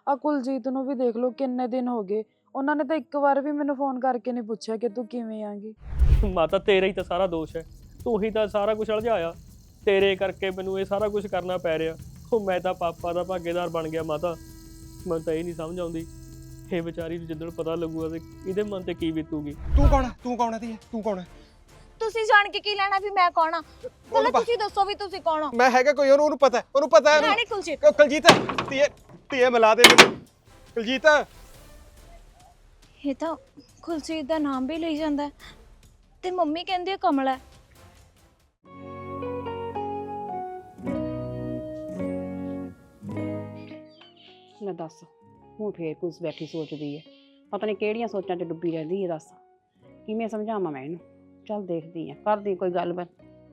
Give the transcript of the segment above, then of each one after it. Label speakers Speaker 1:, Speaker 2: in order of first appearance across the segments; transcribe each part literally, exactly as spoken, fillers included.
Speaker 1: ਆ ਕੁਲਜੀਤ ਨੂੰ ਵੀ ਦੇਖ ਲਓ, ਕਿੰਨੇ ਦਿਨ ਹੋ ਗਏ, ਉਹਨਾਂ ਨੇ ਤਾਂ ਇੱਕ ਵਾਰ ਵੀ ਮੈਨੂੰ ਫੋਨ ਕਰਕੇ ਨਹੀਂ ਪੁੱਛਿਆ ਕਿ ਤੂੰ ਕਿਵੇਂ ਆਂਗੀ।
Speaker 2: ਮਾਤਾ ਤੇਰਾ ਹੀ ਤਾਂ ਸਾਰਾ ਦੋਸ਼ ਹੈ, ਤੂੰ ਹੀ ਤਾਂ ਸਾਰਾ ਕੁਝ ਉਲਝਾਇਆ, ਤੇਰੇ ਕਰਕੇ ਮੈਨੂੰ ਇਹ ਸਾਰਾ ਕੁਝ ਕਰਨਾ ਪੈ ਰਿਹਾ। ਉਹ ਮੈਂ ਤਾਂ ਪਾਪਾ ਦਾ ਭਾਗੀਦਾਰ ਬਣ ਗਿਆ ਮਾਤਾ, ਮੈਨੂੰ ਤਾਂ ਇਹ ਨਹੀਂ ਸਮਝ ਆਉਂਦੀ ਇਹ ਵਿਚਾਰੀ ਨੂੰ ਜਿੱਦਣ ਪਤਾ ਲੱਗੂਗਾ ਤੇ ਇਹਦੇ ਮਨ ਤੇ ਕੀ ਬੀਤੂਗੀ।
Speaker 3: ਤੂੰ ਕੌਣ ਹੈ? ਤੂੰ ਕੌਣ ਹੈ? ਤੂੰ ਕੌਣ ਹੈ?
Speaker 4: ਤੁਸੀਂ ਜਾਣ ਕੇ ਕੀ ਲੈਣਾ ਵੀ ਮੈਂ ਕੌਣ ਆ? ਚਲੋ ਤੁਸੀਂ ਦੱਸੋ ਵੀ ਤੁਸੀਂ ਕੌਣ ਹੋ।
Speaker 3: ਮੈਂ ਹੈਗਾ ਕੋਈ, ਉਹਨੂੰ ਉਹਨੂੰ ਪਤਾ ਹੈ, ਉਹਨੂੰ ਪਤਾ ਹੈ।
Speaker 4: ਰਾਣੀ ਕੁਲਜੀਤ।
Speaker 3: ਉਹ ਕੁਲਜੀਤ ਧੀਏ ਧੀਏ ਮਿਲਾ ਦੇ ਮੈਨੂੰ ਕੁਲਜੀਤ।
Speaker 4: ਇਹ ਤਾਂ ਕੁਲਜੀਤ ਦਾ ਨਾਮ ਵੀ ਲਈ ਜਾਂਦਾ ਤੇ ਮੰਮੀ ਕਹਿੰਦੀ ਹੈ ਕਮਲ ਹੈ।
Speaker 5: ਲੈ ਦੱਸ, ਹੁਣ ਫੇਰ ਕੁਛ ਬੈਠੀ ਸੋਚਦੀ ਹੈ, ਪਤਾ ਨਹੀਂ ਕਿਹੜੀਆਂ ਸੋਚਾਂ 'ਚ ਡੁੱਬੀ ਰਹਿੰਦੀ ਹੈ। ਦੱਸ ਕਿਵੇਂ ਸਮਝਾਵਾਂ ਮੈਂ ਇਹਨੂੰ? ਚੱਲ ਦੇਖਦੀ ਆ, ਕਰਦੀ ਕੋਈ ਗੱਲਬਾਤ।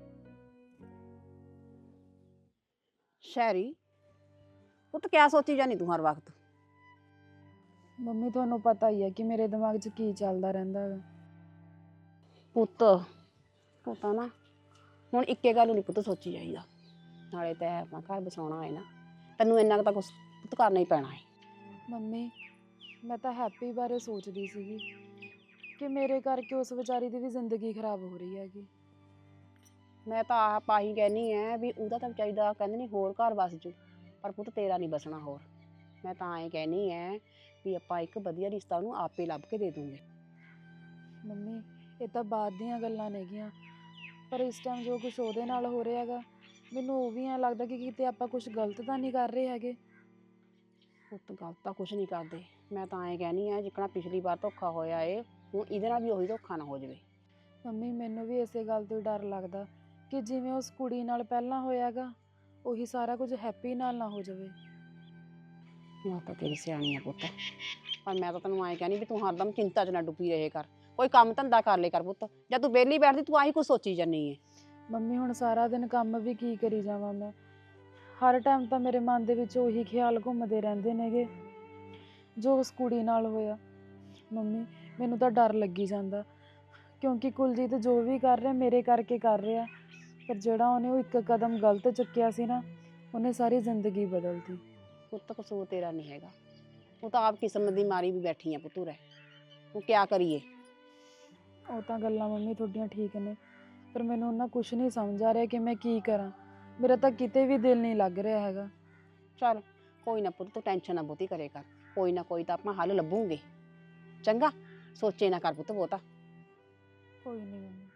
Speaker 5: ਸ਼ੈਰੀ ਪੁੱਤ ਕਿਆ ਸੋਚੀ ਜਾਨੀ ਤੂੰ ਹਰ ਵਕਤ?
Speaker 1: ਮੰਮੀ ਤੁਹਾਨੂੰ ਪਤਾ ਹੀ ਹੈ ਕਿ ਮੇਰੇ ਦਿਮਾਗ 'ਚ ਕੀ ਚੱਲਦਾ ਰਹਿੰਦਾ ਹੈ।
Speaker 5: ਪੁੱਤ ਪਤਾ ਨਾ ਹੁਣ ਇੱਕੇ ਗੱਲ ਨਹੀਂ ਪੁੱਤ ਸੋਚੀ ਜਾਈਦਾ, ਨਾਲੇ ਤੈਂ ਆਪਣਾ ਘਰ ਬਸਾਉਣਾ ਹੈ ਨਾ, ਤੈਨੂੰ ਇੰਨਾ ਕੁ ਤਾਂ ਕੁਛ ਪੁੱਤ ਕਰਨਾ ਹੀ ਪੈਣਾ ਹੈ।
Speaker 1: ਮੰਮੀ ਮੈਂ ਤਾਂ ਹੈਪੀ ਬਾਰੇ ਸੋਚਦੀ ਸੀਗੀ ਕਿ ਮੇਰੇ ਕਰਕੇ ਉਸ ਵਿਚਾਰੀ ਦੀ ਵੀ ਜ਼ਿੰਦਗੀ ਖਰਾਬ ਹੋ ਰਹੀ ਹੈਗੀ।
Speaker 5: ਮੈਂ ਤਾਂ ਆਪ ਆਹੀ ਕਹਿਨੀ ਐ ਵੀ ਉਹਦਾ ਤਾਂ ਵਿਚਾਰੀ ਦਾ ਕਹਿੰਦੇ ਨਹੀਂ ਹੋਰ ਘਰ ਵਸ ਜੂ, ਪਰ ਪੁੱਤ ਤੇਰਾ ਨਹੀਂ ਬਸਣਾ ਹੋਰ। ਮੈਂ ਤਾਂ ਐਂ ਕਹਿਨੀ ਐ ਵੀ ਆਪਾਂ ਇੱਕ ਵਧੀਆ ਰਿਸ਼ਤਾ ਉਹਨੂੰ ਆਪੇ ਲੱਭ ਕੇ ਦੇ ਦੂੰਗੇ।
Speaker 1: ਮੰਮੀ ਇਹ ਤਾਂ ਬਾਅਦ ਦੀਆਂ ਗੱਲਾਂ ਨੇਗੀਆਂ, ਪਰ ਇਸ ਟਾਈਮ ਜੋ ਕੁਝ ਉਹਦੇ ਨਾਲ ਹੋ ਰਿਹਾ ਹੈਗਾ, ਮੈਨੂੰ ਉਹ ਵੀ ਐਂ ਲੱਗਦਾ ਕਿ ਕਿਤੇ ਆਪਾਂ ਕੁਝ ਗਲਤ ਤਾਂ ਨਹੀਂ ਕਰ ਰਹੇ ਹੈਗੇ।
Speaker 5: ਪੁੱਤ ਗਲਤ ਤਾਂ ਕੁਛ ਨਹੀਂ ਕਰਦੇ, ਮੈਂ ਤਾਂ ਐਂ ਕਹਿਨੀ ਐ ਜਿੱਕਣਾ ਪਿਛਲੀ ਵਾਰ ਧੋਖਾ ਹੋਇਆ ਏ, ਹੁਣ ਇਹਦੇ ਨਾਲ ਵੀ ਉਹੀ ਧੋਖਾ ਨਾ ਹੋ ਜਾਵੇ।
Speaker 1: ਮੰਮੀ ਮੈਨੂੰ ਵੀ ਇਸੇ ਗੱਲ ਤੋਂ ਡਰ ਲੱਗਦਾ ਕਿ ਜਿਵੇਂ ਉਸ ਕੁੜੀ ਨਾਲ ਪਹਿਲਾਂ ਹੋਇਆਗਾ, ਉਹੀ ਸਾਰਾ ਕੁਝ ਹੈਪੀ ਨਾਲ ਨਾ ਹੋ ਜਾਵੇ।
Speaker 5: ਮੈਂ ਤਾਂ ਤੇਰੀ ਸਿਆਣੀ ਆ ਪੁੱਤ, ਪਰ ਮੈਂ ਤਾਂ ਤੈਨੂੰ ਐਂ ਕਹਿਨੀ ਵੀ ਤੂੰ ਹਰਦਮ ਚਿੰਤਾ 'ਚ ਨਾ ਡੁੱਬੀ ਰਹੇ ਕਰ, ਕੋਈ ਕੰਮ ਧੰਦਾ ਕਰ ਲੈ ਕਰ ਪੁੱਤ। ਜਦ ਤੂੰ ਵਿਹਲੀ ਬੈਠਦੀ ਤੂੰ ਆਹੀ ਕੁਛ ਸੋਚੀ ਜਾਨੀ ਏ।
Speaker 1: ਮੰਮੀ ਹੁਣ ਸਾਰਾ ਦਿਨ ਕੰਮ ਵੀ ਕੀ ਕਰੀ ਜਾਵਾਂ ਮੈਂ, ਹਰ ਟਾਈਮ ਤਾਂ ਮੇਰੇ ਮਨ ਦੇ ਵਿੱਚ ਉਹੀ ਖਿਆਲ ਘੁੰਮਦੇ ਰਹਿੰਦੇ ਨੇਗੇ ਜੋ ਉਸ ਕੁੜੀ ਨਾਲ ਹੋਇਆ। ਮੰਮੀ ਮੈਨੂੰ ਤਾਂ ਡਰ ਲੱਗੀ ਜਾਂਦਾ, ਕਿਉਂਕਿ ਕੁਲਜੀਤ ਜੋ ਵੀ ਕਰ ਰਿਹਾ ਮੇਰੇ ਕਰਕੇ ਕਰ ਰਿਹਾ, ਪਰ ਜਿਹੜਾ ਉਹਨੇ ਉਹ ਇੱਕ ਕਦਮ ਗਲਤ ਚੁੱਕਿਆ ਸੀ ਨਾ, ਉਹਨੇ ਸਾਰੀ ਜ਼ਿੰਦਗੀ ਬਦਲਤੀ।
Speaker 5: ਪੁੱਤ ਕਸੂਰ ਤੇਰਾ ਨਹੀਂ ਹੈਗਾ, ਉਹ ਤਾਂ ਆਪ ਕਿਸਮਤ ਦੀ ਮਾਰੀ ਵੀ ਬੈਠੀ ਆ ਪੁੱਤੂ ਰਹਿ, ਹੁਣ ਕਿਆ ਕਰੀਏ।
Speaker 1: ਉਹ ਤਾਂ ਗੱਲਾਂ ਮੰਮੀ ਤੁਹਾਡੀਆਂ ਠੀਕ ਨੇ, ਪਰ ਮੈਨੂੰ ਉਹਨਾਂ ਕੁਝ ਨਹੀਂ ਸਮਝ ਆ ਰਿਹਾ ਕਿ ਮੈਂ ਕੀ ਕਰਾਂ। ਮੇਰਾ ਤਾਂ ਕਿਤੇ ਵੀ ਦਿਲ ਨਹੀਂ ਲੱਗ ਰਿਹਾ ਹੈਗਾ।
Speaker 5: ਚੱਲ ਕੋਈ ਨਾ ਪੁੱਤ, ਤੂੰ ਟੈਨਸ਼ਨ ਨਾ ਬਹੁਤੀ ਕਰੇ ਕਰ, ਕੋਈ ਨਾ ਕੋਈ ਤਾਂ ਆਪਾਂ ਹੱਲ ਲੱਭੂਗੇ। ਚੰਗਾ ਸੋਚੇ ਨਾ ਕਰ ਪੁੱਤ ਬਹੁਤਾ।
Speaker 1: ਕੋਈ ਨਹੀਂ ਮੰਮੀ।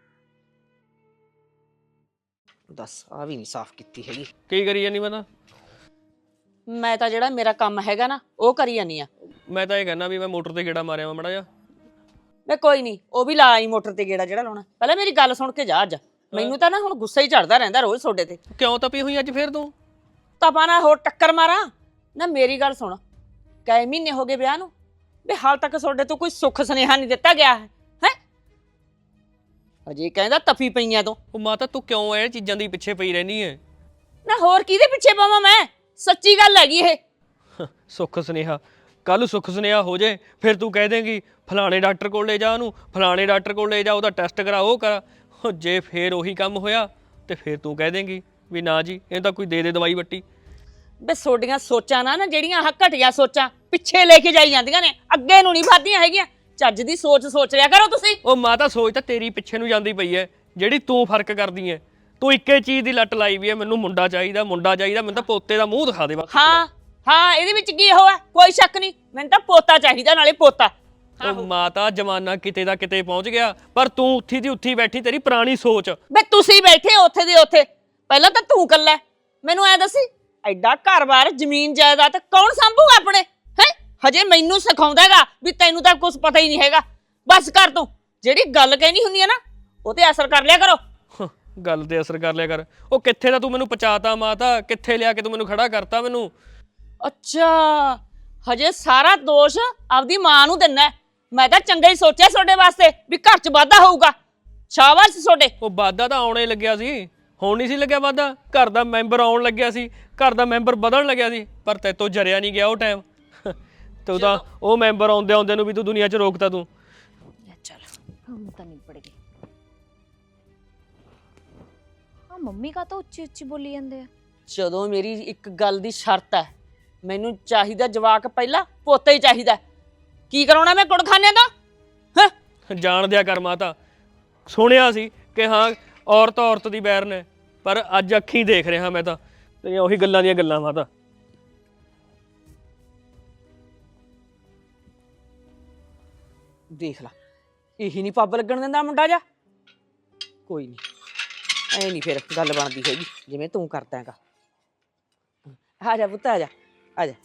Speaker 6: ਦੱਸ ਆ ਵੀ ਨਹੀਂ ਸਾਫ਼ ਕੀਤੀ ਹੈਗੀ।
Speaker 2: ਕੀ ਕਰੀ ਜਾਨੀ? ਮੈਂ ਤਾਂ
Speaker 6: ਮੈਂ ਤਾਂ ਜਿਹੜਾ ਮੇਰਾ ਕੰਮ ਹੈਗਾ ਨਾ ਉਹ ਕਰੀ ਜਾਨੀ ਆ।
Speaker 2: ਮੈਂ ਤਾਂ ਇਹ ਕਹਿੰਦਾ ਵੀ ਮੈਂ ਮੋਟਰ ਤੇ ਗੇੜਾ ਮਾਰਿਆ ਮੜਾ ਜਾ।
Speaker 6: ਮੈਂ ਕੋਈ ਨਹੀਂ, ਉਹ ਵੀ ਲਾ ਆਈ ਮੋਟਰ ਤੇ ਗੇੜਾ ਜਿਹੜਾ ਲਾਉਣਾ। ਪਹਿਲਾਂ ਮੇਰੀ ਗੱਲ ਸੁਣ ਕੇ ਜਾ। ਅੱਜ ਮੈਨੂੰ ਤਾਂ ਨਾ ਹੁਣ ਗੁੱਸਾ ਹੀ ਚੜਦਾ ਰਹਿੰਦਾ ਰੋਜ਼ ਤੁਹਾਡੇ ਤੇ।
Speaker 2: ਕਿਉਂ ਤਪੀ ਹੋਈ ਅੱਜ ਫੇਰ ਤੂੰ?
Speaker 6: ਤਪਾ ਨਾ ਹੋਰ ਟੱਕਰ ਮਾਰਾਂ ਨਾ। ਮੇਰੀ ਗੱਲ ਸੁਣ, ਕਈ ਮਹੀਨੇ ਹੋ ਗਏ ਵਿਆਹ ਨੂੰ, ਵੀ ਹਾਲ ਤੱਕ ਤੁਹਾਡੇ ਤੋਂ ਕੋਈ ਸੁੱਖ ਸੁਨੇਹਾ ਨਹੀਂ ਦਿੱਤਾ ਗਿਆ ਹੈ ਹੈ ਅਜੇ ਕਹਿੰਦਾ ਤਪੀ ਪਈਆਂ ਤੋਂ।
Speaker 2: ਉਹ ਮਾਤਾ ਤੂੰ ਕਿਉਂ ਇਹ ਚੀਜ਼ਾਂ ਦੀ ਪਿੱਛੇ ਪਈ ਰਹਿਨੀ ਹੈ?
Speaker 6: ਨਾ ਹੋਰ ਕਿਹਦੇ ਪਿੱਛੇ ਪਾਵਾਂ ਮੈਂ? ਸੱਚੀ ਗੱਲ ਹੈਗੀ ਇਹ।
Speaker 2: ਸੁੱਖ ਸੁਨੇਹਾ, ਕੱਲ ਸੁੱਖ ਸੁਨੇਹਾ ਹੋ ਜੇ ਫਿਰ ਤੂੰ ਕਹਿ ਦੇਂਗੀ ਫਲਾਣੇ ਡਾਕਟਰ ਕੋਲ ਲੈ ਜਾ ਉਹਨੂੰ, ਫਲਾਣੇ ਡਾਕਟਰ ਕੋਲ ਲੈ ਜਾ, ਉਹਦਾ ਟੈਸਟ ਕਰਾ, ਉਹ ਕਰਾ। ਜੇ ਫੇਰ ਉਹੀ ਕੰਮ ਹੋਇਆ ਤੇ ਫਿਰ ਤੂੰ ਕਹਿ ਦੇਂਗੀ ਵੀ ਨਾ ਜੀ ਇਹ ਤਾਂ ਕੋਈ ਦੇ ਦੇ ਦਵਾਈ ਵੱਟੀ।
Speaker 6: ਬੇ ਤੁਹਾਡੀਆਂ ਸੋਚਾਂ ਨਾ ਨਾ ਜਿਹੜੀਆਂ ਆਹ ਘਟੀਆ ਸੋਚਾਂ ਪਿੱਛੇ ਲੈ ਕੇ ਜਾਈ ਜਾਂਦੀਆਂ ਨੇ, ਅੱਗੇ ਨੂੰ ਨਹੀਂ ਵੱਧਦੀਆਂ ਹੈਗੀਆਂ। ਚੱਜ ਦੀ ਸੋਚ ਸੋਚ ਲਿਆ ਕਰੋ ਤੁਸੀਂ।
Speaker 2: ਉਹ ਮਾਤਾ ਸੋਚ ਤਾਂ ਤੇਰੀ ਪਿੱਛੇ ਨੂੰ ਜਾਂਦੀ ਪਈ ਐ, ਜਿਹੜੀ ਤੂੰ ਫਰਕ ਕਰਦੀ ਐ। ਤੂੰ ਇੱਕੇ ਚੀਜ਼ ਦੀ ਲੱਟ ਲਾਈ ਵੀ ਐ, ਮੈਨੂੰ ਮੁੰਡਾ ਚਾਹੀਦਾ, ਮੁੰਡਾ ਚਾਹੀਦਾ, ਮੈਨੂੰ ਤਾਂ ਪੋਤੇ ਦਾ ਮੂੰਹ ਦਿਖਾ ਦੇ ਬਸ।
Speaker 6: ਹਾਂ ਹਾਂ ਇਹਦੇ ਵਿੱਚ ਕੀ ਹੋਇਆ? ਕੋਈ ਸ਼ੱਕ ਨਹੀਂ, ਮੈਨੂੰ ਤਾਂ ਪੋਤਾ ਚਾਹੀਦਾ, ਨਾਲੇ ਪੋਤਾ।
Speaker 2: ਉਹ ਮਾਤਾ ਜਮਾਨਾ ਕਿਤੇ ਦਾ ਕਿਤੇ ਪਹੁੰਚ ਗਿਆ, ਪਰ ਤੂੰ ਉੱਥੀ ਦੀ ਉੱਥੀ ਬੈਠੀ, ਤੇਰੀ ਪੁਰਾਣੀ ਸੋਚ।
Speaker 6: ਬੇ ਤੁਸੀਂ ਬੈਠੇ ਉੱਥੇ ਦੇ ਉੱਥੇ, ਪਹਿਲਾਂ ਤਾਂ ਤੂੰ ਕੱਲਾ। ਮੈਨੂੰ ਐ ਦੱਸੀ, ਐਡਾ ਘਰ-ਬਾਰ ਜ਼ਮੀਨ ਜਾਇਦਾਦ ਕੌਣ ਸੰਭੂਗਾ ਆਪਣੇ? ਹੈ ਹਜੇ ਮੈਨੂੰ ਸਿਖਾਉਂਦਾ ਹੈਗਾ ਵੀ ਤੈਨੂੰ ਤਾਂ ਕੁਝ ਪਤਾ ਹੀ ਨਹੀਂ ਹੈਗਾ। ਬਸ ਕਰ ਤੂੰ, ਜਿਹੜੀ ਗੱਲ ਕਹਿਣੀ ਹੁੰਦੀ ਹੈ ਨਾ ਉਹ ਤੇ ਅਸਰ ਕਰ ਲਿਆ ਕਰੋ।
Speaker 2: ਗੱਲ ਤੇ ਅਸਰ ਕਰ ਲਿਆ ਕਰ। ਉਹ ਕਿੱਥੇ ਦਾ ਤੂੰ ਮੈਨੂੰ ਪਹੁੰਚਾਤਾ ਮਾਤਾ, ਕਿੱਥੇ ਲਿਆ ਕੇ ਤੂੰ ਮੈਨੂੰ ਖੜਾ ਕਰਤਾ ਮੈਨੂੰ।
Speaker 6: ਅੱਛਾ ਹਜੇ ਸਾਰਾ ਦੋਸ਼ ਆਪਦੀ ਮਾਂ ਨੂੰ ਦਿੰਦਾ। ਮੈਂ ਤਾਂ ਚੰਗਾ ਹੀ ਸੋਚਿਆ ਤੁਹਾਡੇ ਵਾਸਤੇ ਵੀ ਘਰ 'ਚ ਵਾਧਾ ਹੋਊਗਾ। ਸ਼ਾਬਾਸ਼ ਤੁਹਾਡੇ।
Speaker 2: ਉਹ ਵਾਧਾ ਤਾਂ ਆਉਣੇ ਲੱਗਿਆ ਸੀ, ਹੁਣ ਨਹੀਂ ਸੀ ਲੱਗਿਆ ਵਾਧਾ। ਘਰ ਦਾ ਮੈਂਬਰ ਆਉਣ ਲੱਗਿਆ ਸੀ, ਘਰ ਦਾ ਮੈਂਬਰ ਵਧਣ ਲੱਗਿਆ ਸੀ, ਪਰ ਤੇਤੋਂ ਜਰਿਆ ਨਹੀਂ ਗਿਆ ਉਹ ਟਾਈਮ। ਤੇ ਉਹਦਾ ਉਹ ਮੈਂਬਰ ਆਉਂਦੇ ਆਉਂਦੇ ਨੂੰ ਵੀ ਤੂੰ ਦੁਨੀਆ 'ਚ ਰੋਕਤਾ ਤੂੰ।
Speaker 6: ਚੱਲ ਹੁਣ ਤਾਂ ਨਿਬੜ ਗਈ।
Speaker 4: ਆ ਮੰਮੀ ਕਾ ਤਾਂ ਉੱਚੀ ਉੱਚੀ ਬੋਲੀ ਜਾਂਦੇ ਆ।
Speaker 6: ਜਦੋਂ ਮੇਰੀ ਇੱਕ ਗੱਲ ਦੀ ਸ਼ਰਤ ਹੈ ਮੈਨੂੰ ਚਾਹੀਦਾ ਜਵਾਕ ਪਹਿਲਾਂ, ਪੋਤਾ ਹੀ ਚਾਹੀਦਾ। ਕੀ ਕਰਾਉਣਾ ਮੈਂ ਕੁੜਖਾਨੇ ਦਾ? ਹਾਂ
Speaker 2: ਜਾਣ ਦਿਆ ਕਰ ਮਾਤਾ, ਸੁਣਿਆ ਸੀ ਕਿ ਹਾਂ ਔਰਤ ਔਰਤ ਦੀ ਬੈਰ ਨੇ, ਪਰ ਅੱਜ ਅੱਖੀਂ ਦੇਖ ਰਿਹਾ ਮੈਂ ਤਾਂ ਤੇਰੀਆਂ ਉਹੀ ਗੱਲਾਂ ਦੀਆਂ ਗੱਲਾਂ ਮਾਤਾ।
Speaker 6: ਦੇਖ ਲਾ, ਇਹੀ ਨਹੀਂ ਪੱਬ ਲੱਗਣ ਦਿੰਦਾ ਮੁੰਡਾ ਜਾ। ਕੋਈ ਨਹੀਂ, ਐ ਨਹੀਂ ਫਿਰ ਗੱਲ ਬਣਦੀ ਹੈਗੀ ਜਿਵੇਂ ਤੂੰ ਕਰਦਾ ਹੈਗਾ। ਆ ਜਾ ਪੁੱਤ, ਆ ਜਾ ਆ ਜਾ।